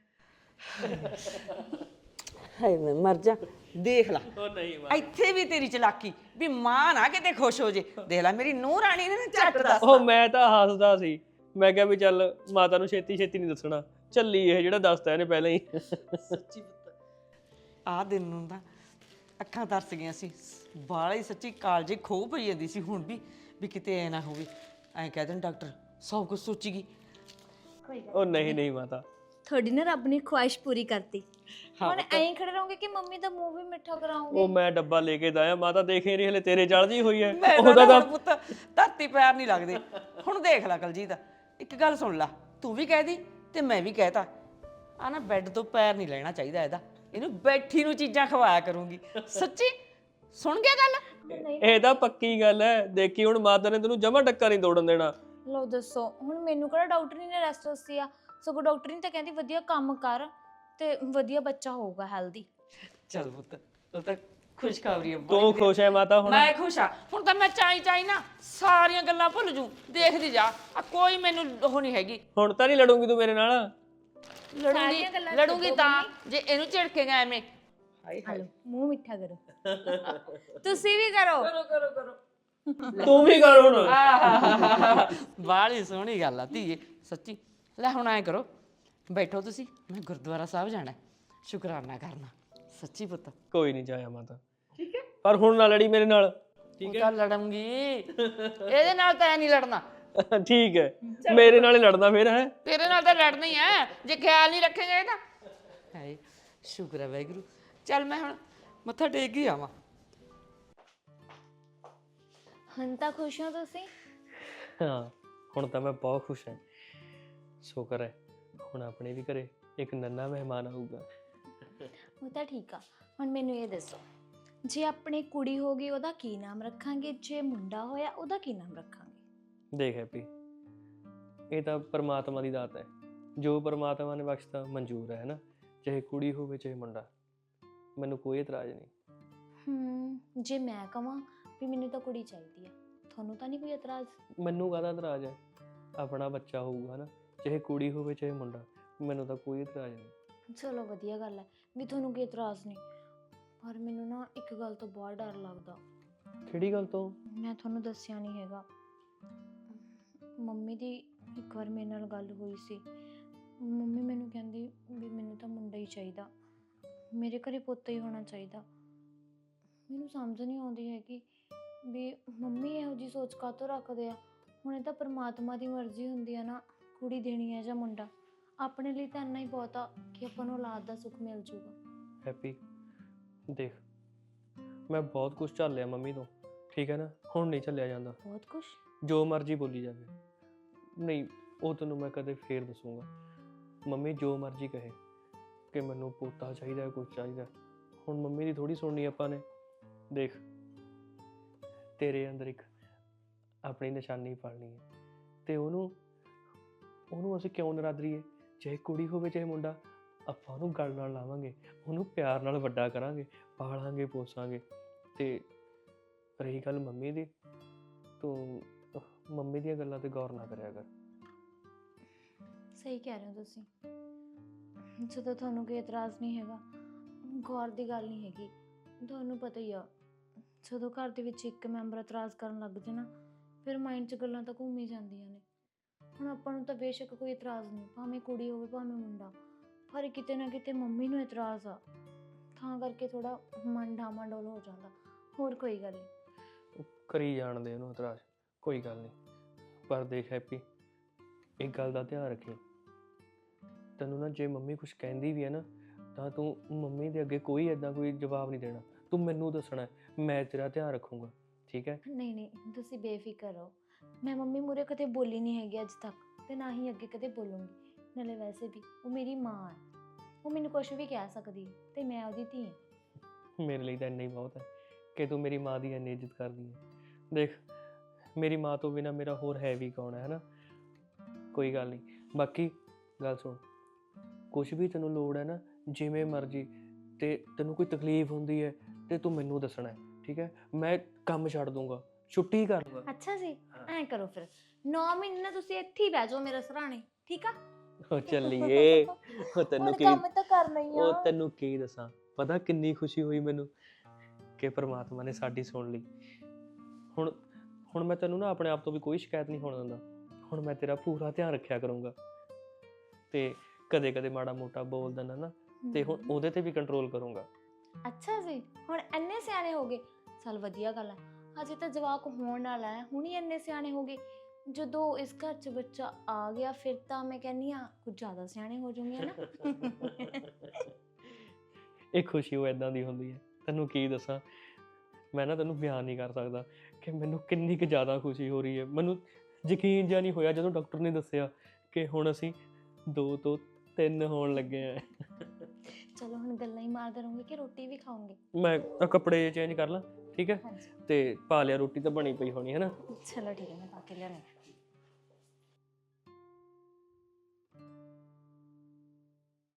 Speaker 6: ਹਾਏ ਮੈਂ ਮਰ ਜਾ। ਦੇਖ ਲਾ,
Speaker 2: ਉਹ ਨਹੀਂ
Speaker 6: ਇੱਥੇ ਵੀ ਤੇਰੀ ਚਲਾਕੀ ਵੀ ਮਾਂ ਨਾ ਕਿਤੇ ਖੁਸ਼ ਹੋ ਜੇ। ਦੇਖ ਲੈ ਮੇਰੀ ਨੂੰਹ ਰਾਣੀ ਨੇ ਨਾ ਝੱਟ ਦੱਸਤਾ।
Speaker 2: ਉਹ ਮੈਂ ਤਾਂ ਹੱਸਦਾ ਸੀ, ਮੈਂ ਕਿਹਾ ਵੀ ਚੱਲ ਮਾਤਾ ਨੂੰ ਛੇਤੀ ਛੇਤੀ ਨਹੀਂ ਦੱਸਣਾ, ਚੱਲੀ ਇਹ ਜਿਹੜਾ ਦੱਸਤਾ ਇਹਨੇ ਪਹਿਲਾਂ ਹੀ।
Speaker 6: ਸੱਚੀ ਪੁੱਤ, ਆਹ ਦਿਨ ਨੂੰ ਤਾਂ ਅੱਖਾਂ ਤਰਸ ਗਈਆਂ ਸੀ। ਬਾਲਾ ਹੀ ਸੱਚੀ ਕਾਲਜੇ ਖੋਹ ਪਈ ਜਾਂਦੀ ਸੀ ਹੁਣ ਵੀ, ਵੀ ਕਿਤੇ ਐ ਨਾ ਹੋਵੇ। ਐਂ ਕਹਿ ਦੇਣ ਡਾਕਟਰ ਸਭ ਕੁਝ ਸੋਚੀਗੀ।
Speaker 2: ਉਹ ਨਹੀਂ ਨਹੀਂ ਮਾਤਾ,
Speaker 4: ਤੁਹਾਡੀ ਨਾ ਰੱਬ ਨੇ ਖੁਆਇਸ਼ ਪੂਰੀ ਕਰਤੀ।
Speaker 6: ਹਾਂ
Speaker 4: ਹੁਣ
Speaker 6: ਪੁੱਤ।
Speaker 4: ਐਂ ਖੜੇ ਰਹੋਗੇ ਕਿ ਮੰਮੀ ਦਾ ਮੂੰਹ ਵੀ ਮਿੱਠਾ ਕਰਾਉਂਗੇ?
Speaker 2: ਉਹ ਮੈਂ ਡੱਬਾ ਲੈ ਕੇ ਦਾਇਆ, ਮਾਤਾ ਦੇਖੇ ਰਹੀ ਹਲੇ ਤੇਰੇ ਜਲ ਜੀ ਹੋਈ ਹੈ।
Speaker 6: ਮੈਂ
Speaker 2: ਉਹਦਾ
Speaker 6: ਤਾਂ
Speaker 2: ਤਾਂ
Speaker 6: ਪੁੱਤ ਧਰਤੀ ਪੈਰ ਨਹੀਂ ਲੱਗਦੇ। ਹੁਣ ਦੇਖ ਲੈ ਕੁਲਜੀਤ, ਇੱਕ ਗੱਲ ਸੁਣ ਲੈ, ਤੂੰ ਵੀ ਕਹਿ ਦੀ ਤੇ ਮੈਂ ਵੀ ਕਹਿਤਾ, ਆ ਨਾ ਬੈੱਡ ਤੋਂ ਪੈਰ ਨਹੀਂ ਲੈਣਾ ਚਾਹੀਦਾ ਇਹਦਾ। ਇਹਨੂੰ ਬੈਠੀ ਨੂੰ ਚੀਜ਼ਾਂ ਖਵਾਇਆ ਕਰੂੰਗੀ। ਸੱਚੀ ਸੁਣ ਗਿਆ ਗੱਲ?
Speaker 2: ਇਹ ਤਾਂ ਪੱਕੀ ਗੱਲ ਹੈ। ਦੇਖੀ ਹੁਣ ਮਾਤਾ ਨੇ ਤੈਨੂੰ ਜਮਾ ਟੱਕਾ ਨਹੀਂ ਤੋੜਨ ਦੇਣਾ।
Speaker 4: ਲਓ ਦੱਸੋ, ਹੁਣ ਮੈਨੂੰ ਕਿਹੜਾ ਡਾਕਟਰ ਨੇ ਰੈਸਟ ਦੱਸੀ ਆ? ਸਗੋਂ ਡਾਕਟਰ ਨੇ ਤਾਂ ਕਹਿੰਦੀ ਵਧੀਆ ਕੰਮ ਕਰ ਤੇ ਵਧੀਆ ਬੱਚਾ ਹੋਊਗਾ, ਹੈਲਦੀ।
Speaker 6: ਚੱਲ ਪੁੱਤ, ਉਹ ਤਾਂ ਖੁਸ਼ਖਬਰੀ ਹੈ।
Speaker 2: ਤੂੰ ਖੁਸ਼ ਹੈ ਮਾਤਾ ਹੁਣ?
Speaker 6: ਮੈਂ ਖੁਸ਼ ਆ। ਹੁਣ ਤਾਂ ਮੈਂ ਚਾਈ ਚਾਈ ਨਾ ਸਾਰੀਆਂ ਗੱਲਾਂ ਭੁੱਲ ਜੂ। ਦੇਖਦੀ ਜਾ, ਆ ਕੋਈ ਮੈਨੂੰ ਉਹ ਨਹੀਂ ਹੈਗੀ।
Speaker 2: ਹੁਣ ਤਾਂ ਨਹੀਂ ਲੜੂਗੀ ਤੂੰ ਮੇਰੇ ਨਾਲ?
Speaker 6: ਲੜੂੰਗੀ
Speaker 4: ਸਾਰੀਆਂ ਗੱਲਾਂ
Speaker 6: ਲੜੂੰਗੀ
Speaker 4: ਛੱਡੋ
Speaker 6: ਤਾਂ ਜੇ ਇਹਨੂੰ ਝਿੜਕੇਗਾ ਐਵੇਂ। ਹਾਏ ਹਾਏ,
Speaker 4: ਹਲੋ ਮੂੰਹ ਮਿੱਠਾ ਕਰੋ। ਤੁਸੀਂ ਵੀ ਕਰੋ।
Speaker 6: ਕਰੋ ਕਰੋ ਕਰੋ।
Speaker 2: ਤੂੰ ਵੀ ਕਰ ਹੁਣ।
Speaker 6: ਬਾਹਲੀ ਸੋਹਣੀ ਗੱਲ ਆ ਧੀਏ, ਸੱਚੀ। ਲੈ ਹੁਣ ਐ ਕਰੋ, ਬੈਠੋ ਤੁਸੀਂ, ਮੈਂ ਗੁਰਦੁਆਰਾ ਸਾਹਿਬ ਜਾਣਾ, ਸ਼ੁਕਰਾਨਾ ਕਰਨਾ। ਸੱਚੀ ਪੁੱਤ।
Speaker 2: ਕੋਈ ਨਹੀਂ ਜਾਇਆ ਮਾਤਾ, ਠੀਕ ਹੈ, ਪਰ ਹੁਣ ਨਾ ਲੜੀ ਮੇਰੇ ਨਾਲ,
Speaker 6: ਉਹ ਤਾਂ ਲੜੂੰਗੀ, ਇਹਦੇ ਨਾਲ ਤਾਂ ਐ ਨਹੀਂ ਲੜਨਾ।
Speaker 2: ਠੀਕ ਹੈ? ਮੇਰੇ ਨਾਲ ਹੀ ਲੜਨਾ ਫਿਰ ਹੈ?
Speaker 6: ਤੇਰੇ ਨਾਲ ਤਾਂ ਲੜਨਾ ਹੀ ਐ ਜੇ ਖਿਆਲ ਨਹੀਂ ਰੱਖੇਗਾ ਇਹਦਾ। ਹਾਏ ਸ਼ੁਕਰ ਹੈ ਵਾਹਿਗੁਰੂ। ਚੱਲ ਮੈਂ ਹੁਣ ਮੱਥਾ ਟੇਕ ਹੀ ਆਵਾਂ।
Speaker 4: ਹੁਣ ਤਾਂ ਖੁਸ਼ ਹੋ ਤੁਸੀਂ?
Speaker 2: ਹਾਂ ਹੁਣ ਤਾਂ ਮੈਂ ਬਹੁਤ ਖੁਸ਼ ਹਾਂ। ਸ਼ੁਕਰ ਹੈ ਹੁਣ ਆਪਣੇ ਵੀ ਘਰੇ ਇੱਕ ਨੰਨਾ ਮਹਿਮਾਨ ਆਊਗਾ।
Speaker 4: ਉਹ ਤਾਂ ਠੀਕ ਆ। ਹੁਣ ਮੈਨੂੰ ਇਹ ਦੱਸੋ, ਜੇ ਆਪਣੀ ਕੁੜੀ ਹੋ ਗਈ ਉਹਦਾ ਕੀ ਨਾਮ ਰੱਖਾਂਗੇ, ਜੇ ਮੁੰਡਾ ਹੋਇਆ ਉਹਦਾ ਕੀ ਨਾਮ ਰੱਖਾਂਗੇ?
Speaker 2: ਦੇਖ ਹੈਪੀ, ਇਹ ਤਾਂ ਪਰਮਾਤਮਾ ਦੀ ਦਾਤ ਹੈ, ਜੋ ਪਰਮਾਤਮਾ ਨੇ ਬਖਸ਼ਤਾ ਮਨਜ਼ੂਰ ਹੈ ਨਾ, ਚਾਹੇ ਕੁੜੀ ਹੋਵੇ ਚਾਹੇ ਮੁੰਡਾ, ਮੈਨੂੰ ਕੋਈ ਇਤਰਾਜ਼ ਨਹੀਂ।
Speaker 4: ਹੂੰ ਜੇ ਮੈਂ ਕਹਾਂ ਵੀ ਮੈਨੂੰ ਤਾਂ ਕੁੜੀ ਚਾਹੀਦੀ ਆ, ਤੁਹਾਨੂੰ ਤਾਂ ਨਹੀਂ ਕੋਈ ਇਤਰਾਜ਼?
Speaker 2: ਮੈਨੂੰ ਕਾਹਦਾ ਇਤਰਾਜ਼ ਹੈ, ਆਪਣਾ ਬੱਚਾ ਹੋਊਗਾ ਨਾ, ਚਾਹੇ ਕੁੜੀ ਹੋਵੇ ਚਾਹੇ ਮੁੰਡਾ, ਮੈਨੂੰ ਤਾਂ ਕੋਈ ਇਤਰਾਜ਼ ਨਹੀਂ।
Speaker 4: ਚਲੋ ਵਧੀਆ ਗੱਲ ਹੈ ਵੀ ਤੁਹਾਨੂੰ ਕੋਈ ਇਤਰਾਜ਼ ਨਹੀਂ, ਪਰ ਮੈਨੂੰ ਨਾ ਇੱਕ ਗੱਲ ਤੋਂ ਬਹੁਤ ਡਰ ਲੱਗਦਾ।
Speaker 2: ਕਿਹੜੀ ਗੱਲ ਤੋਂ?
Speaker 4: ਮੈਂ ਤੁਹਾਨੂੰ ਦੱਸਿਆ ਨਹੀਂ ਹੈਗਾ, ਮੰਮੀ ਦੀ ਇੱਕ ਵਾਰ ਮੇਰੇ ਨਾਲ ਗੱਲ ਹੋਈ ਸੀ। ਮੰਮੀ ਮੈਨੂੰ ਕਹਿੰਦੀ ਵੀ ਮੈਨੂੰ ਤਾਂ ਮੁੰਡਾ ਹੀ ਚਾਹੀਦਾ, ਮੇਰੇ ਘਰੇ ਪੁੱਤ ਹੀ ਹੋਣਾ ਚਾਹੀਦਾ। ਮੈਨੂੰ ਸਮਝ ਨਹੀਂ ਆਉਂਦੀ ਹੈਗੀ ਵੀ ਮੰਮੀ ਇਹੋ ਜਿਹੀ ਸੋਚ ਕਾਹਤੋਂ ਰੱਖਦੇ ਆ। ਹੁਣ ਇਹ ਤਾਂ ਪਰਮਾਤਮਾ ਦੀ ਮਰਜ਼ੀ ਹੁੰਦੀ ਆ ਨਾ, ਕੁੜੀ ਦੇਣੀ ਹੈ ਜਾਂ ਮੁੰਡਾ। ਆਪਣੇ ਲਈ ਤਾਂ ਇੰਨਾ ਹੀ ਬਹੁਤ ਆ ਕਿ ਆਪਾਂ ਨੂੰ ਔਲਾਦ ਦਾ ਸੁੱਖ ਮਿਲ ਜੂਗਾ।
Speaker 2: ਹੈਪੀ ਦੇਖ, ਮੈਂ ਬਹੁਤ ਕੁਝ ਝੱਲ ਲਿਆ ਮੰਮੀ ਤੋਂ, ਠੀਕ ਹੈ ਨਾ, ਹੁਣ ਨਹੀਂ ਝੱਲਿਆ ਜਾਂਦਾ।
Speaker 4: ਬਹੁਤ ਕੁਛ?
Speaker 2: ਜੋ ਮਰਜ਼ੀ ਬੋਲੀ ਜਾਵੇ, ਨਹੀਂ ਉਹ ਤੈਨੂੰ ਮੈਂ ਕਦੇ ਫੇਰ ਦੱਸੂਗਾ। ਮੰਮੀ ਜੋ ਮਰਜ਼ੀ ਕਹੇ ਕਿ ਮੈਨੂੰ ਪੋਤਾ ਚਾਹੀਦਾ, ਕੁਝ ਚਾਹੀਦਾ, ਹੁਣ ਮੰਮੀ ਦੀ ਥੋੜੀ ਸੁਣਨੀ ਆਪਾਂ ਨੇ। ਦੇਖ ਤੇਰੇ ਅੰਦਰ ਇੱਕ ਆਪਣੀ ਨਿਸ਼ਾਨੀ ਪਾਲਣੀ ਹੈ, ਤੇ ਉਹਨੂੰ ਉਹਨੂੰ ਅਸੀਂ ਕਿਉਂ ਨਰਾਦਰੀਏ? ਚਾਹੇ ਕੁੜੀ ਹੋਵੇ ਚਾਹੇ ਮੁੰਡਾ, ਆਪਾਂ ਉਹਨੂੰ ਗਲ ਨਾਲ ਲਾਵਾਂਗੇ, ਉਹਨੂੰ ਪਿਆਰ ਨਾਲ ਵੱਡਾ ਕਰਾਂਗੇ, ਪਾਲਾਂਗੇ ਪੋਸਾਂਗੇ। ਤੇ ਰਹੀ ਗੱਲ ਮੰਮੀ ਦੀ, ਤੂੰ ਮੰਮੀ ਦੀਆਂ ਗੱਲਾਂ ਤੇ ਗੌਰ ਨਾ ਕਰਿਆ ਕਰ।
Speaker 4: ਸਹੀ ਕਹਿ ਰਹੇ ਹੋ ਤੁਸੀਂ, ਜਦੋਂ ਤੁਹਾਨੂੰ ਕੋਈ ਇਤਰਾਜ਼ ਨਹੀਂ ਹੈਗਾ, ਗੌਰ ਦੀ ਗੱਲ ਨਹੀਂ ਹੈਗੀ। ਤੁਹਾਨੂੰ ਪਤਾ ਹੀ ਆ, ਜਦੋਂ ਘਰ ਦੇ ਵਿੱਚ ਇੱਕ ਮੈਂਬਰ ਇਤਰਾਜ਼ ਕਰਨ ਲੱਗ ਜੇ ਨਾ, ਫਿਰ ਮਾਈਂਡ 'ਚ ਗੱਲਾਂ ਤਾਂ ਘੁੰਮ ਹੀ ਜਾਂਦੀਆਂ ਨੇ। ਹੁਣ ਆਪਾਂ ਨੂੰ ਤਾਂ ਬੇਸ਼ੱਕ ਕੋਈ ਇਤਰਾਜ਼ ਨਹੀਂ, ਭਾਵੇਂ ਕੁੜੀ ਹੋਵੇ ਭਾਵੇਂ ਮੁੰਡਾ, ਪਰ ਕਿਤੇ ਨਾ ਕਿਤੇ ਮੰਮੀ ਨੂੰ ਇਤਰਾਜ਼ ਆ, ਤਾਂ ਕਰਕੇ ਥੋੜਾ ਮਨ ਡਾਮਾਡੋਲ ਹੋ ਜਾਂਦਾ। ਹੋਰ ਕੋਈ ਗੱਲ ਨਹੀਂ,
Speaker 2: ਕਰੀ ਜਾਣਦੇ ਉਹਨੂੰ ਇਤਰਾਜ਼, ਕੋਈ ਗੱਲ ਨਹੀਂ। ਪਰ ਦੇਖ ਹੈਪੀ, ਇੱਕ ਗੱਲ ਦਾ ਧਿਆਨ ਰੱਖੀ, ਤੈਨੂੰ ਨਾ ਜੇ ਮੰਮੀ ਕੁਝ ਕਹਿੰਦੀ ਵੀ ਹੈ ਨਾ, ਤਾਂ ਤੂੰ ਮੰਮੀ ਦੇ ਅੱਗੇ ਕੋਈ ਐਦਾਂ ਕੋਈ ਜਵਾਬ ਨਹੀਂ ਦੇਣਾ, ਤੂੰ ਮੈਨੂੰ ਦੱਸਣਾ, ਮੈਂ ਤੇਰਾ ਧਿਆਨ ਰੱਖੂੰਗਾ, ਠੀਕ ਹੈ?
Speaker 4: ਨਹੀਂ ਨਹੀਂ ਤੁਸੀਂ ਬੇਫਿਕਰ ਰਹੋ, ਮੈਂ ਮੰਮੀ ਮੂਹਰੇ ਕਦੇ ਬੋਲੀ ਨਹੀਂ ਹੈਗੀ ਅੱਜ ਤੱਕ, ਤੇ ਨਾ ਹੀ ਅੱਗੇ ਕਦੇ ਬੋਲੂੰਗੀ। ਨਾਲੇ ਵੈਸੇ ਵੀ ਉਹ ਮੇਰੀ ਮਾਂ ਹੈ, ਉਹ ਮੈਨੂੰ ਕੁਝ ਵੀ ਕਹਿ ਸਕਦੀ ਹੈ, ਤੇ ਮੈਂ ਉਹਦੀ ਧੀ ਹਾਂ।
Speaker 2: ਮੇਰੇ ਲਈ ਤਾਂ ਇੰਨਾ ਹੀ ਬਹੁਤ ਹੈ ਕਿ ਤੂੰ ਮੇਰੀ ਮਾਂ ਦੀ ਇੰਨੀ ਇੱਜ਼ਤ ਕਰਦੀ ਹੈ। ਦੇਖ ਮੇਰੀ ਮਾਂ ਤੋਂ ਬਿਨਾਂ ਮੇਰਾ ਹੋਰ ਹੈ ਵੀ ਕੌਣ ਹੈ, ਹੈ ਨਾ? ਕੋਈ ਗੱਲ ਨਹੀਂ। ਬਾਕੀ ਗੱਲ ਸੁਣ, ਕੁਛ ਵੀ ਤੈਨੂੰ ਲੋੜ ਹੈ ਨਾ, ਜਿਵੇਂ ਮਰਜ਼ੀ, ਤੇ ਤੈਨੂੰ ਕੋਈ ਤਕਲੀਫ ਹੁੰਦੀ ਹੈ ਤੇ ਤੂੰ ਮੈਨੂੰ ਦੱਸਣਾ ਹੈ, ਠੀਕ ਹੈ? ਮੈਂ ਕੰਮ ਛੱਡ ਦੂੰਗਾ, ਛੁੱਟੀ ਕਰ ਲੂੰਗਾ।
Speaker 4: ਅੱਛਾ ਜੀ, ਐਂ ਕਰੋ ਫਿਰ ਨੌ ਮਹੀਨੇ ਨਾ ਤੁਸੀਂ ਇੱਥੇ ਹੀ ਬਹਿ ਜਾਓ ਮੇਰੇ ਸਰਾਣੇ, ਠੀਕ ਆ?
Speaker 2: ਉਹ ਚੱਲੀਏ, ਉਹ ਤੈਨੂੰ ਕੀ,
Speaker 4: ਕੰਮ ਤਾਂ ਕਰਨਾ ਹੀ ਆ।
Speaker 2: ਉਹ ਤੈਨੂੰ ਕੀ ਦੱਸਾਂ, ਪਤਾ ਕਿੰਨੀ ਖੁਸ਼ੀ ਹੋਈ ਮੈਨੂੰ ਕਿ ਪ੍ਰਮਾਤਮਾ ਨੇ ਸਾਡੀ ਸੁਣ ਲਈ। ਹੁਣ ਹੁਣ ਮੈਂ ਤੈਨੂੰ ਨਾ ਆਪਣੇ ਆਪ ਤੋਂ ਵੀ ਕੋਈ ਸ਼ਿਕਾਇਤ ਨਹੀਂ ਹੋਣ ਦਿੰਦਾ। ਹੁਣ ਮੈਂ ਤੇਰਾ ਪੂਰਾ ਧਿਆਨ ਰੱਖਿਆ ਕਰੂੰਗਾ, ਤੇ ਕਦੇ ਕਦੇ ਮਾੜਾ ਮੋਟਾ ਬੋਲ ਦਿੰਦਾ ਨਾ, ਤੇ ਹੁਣ ਉਹਦੇ ਤੇ ਵੀ ਕੰਟਰੋਲ ਕਰੂੰਗਾ।
Speaker 4: ਅੱਛਾ ਜੀ, ਹੁਣ ਇੰਨੇ ਸਿਆਣੇ ਹੋ ਗਏ, ਚੱਲ ਵਧੀਆ ਗੱਲ ਹੈ। ਹਜੇ ਤਾਂ ਜਵਾਕ ਹੋਣ ਵਾਲਾ ਹੈ, ਹੁਣ ਹੀ ਇੰਨੇ ਸਿਆਣੇ ਹੋ ਗਏ। ਜਦੋਂ ਇਸ ਘਰ 'ਚ ਬੱਚਾ ਆ ਗਿਆ, ਫਿਰ ਤਾਂ ਮੈਂ ਕਹਿੰਦੀ ਹਾਂ ਕੁਝ ਜ਼ਿਆਦਾ ਸਿਆਣੇ ਹੋ ਜਾਊਂਗੇ ਨਾ।
Speaker 2: ਇਹ ਖੁਸ਼ੀ ਉਹ ਇਦਾਂ ਦੀ ਹੁੰਦੀ ਹੈ, ਤੈਨੂੰ ਕੀ ਦੱਸਾਂ, ਮੈਂ ਨਾ ਤੈਨੂੰ ਬਿਆਨ ਨਹੀਂ ਕਰ ਸਕਦਾ ਕਿ ਮੈਨੂੰ ਕਿੰਨੀ ਕੁ ਜ਼ਿਆਦਾ ਖੁਸ਼ੀ ਹੋ ਰਹੀ ਹੈ। ਮੈਨੂੰ ਯਕੀਨ ਜਿਹਾ ਨਹੀਂ ਹੋਇਆ ਜਦੋਂ ਡਾਕਟਰ ਨੇ ਦੱਸਿਆ ਕਿ ਹੁਣ ਅਸੀਂ ਦੋ ਤੋਂ ਤਿੰਨ ਹੋਣ ਲੱਗੇ ਆ।
Speaker 4: ਚਲੋ ਹੁਣ ਗੱਲਾਂ ਹੀ ਮਾਰਦੇ ਰਹੋਗੇ ਕਿ ਰੋਟੀ ਵੀ ਖਾਓਗੇ?
Speaker 2: ਮੈਂ ਆਹ ਕੱਪੜੇ ਚੇਂਜ ਕਰ ਲਾਂ, ਠੀਕ ਹੈ?
Speaker 4: ਹਾਂਜੀ
Speaker 2: ਤੇ ਪਾ ਲਿਆ, ਰੋਟੀ ਤਾਂ ਬਣੀ ਪਈ ਹੋਣੀ ਹੈ ਨਾ?
Speaker 4: ਚਲੋ ਠੀਕ ਹੈ, ਮੈਂ ਪਾ ਕੇ ਲਿਆਉਂਦੀ ਹਾਂ।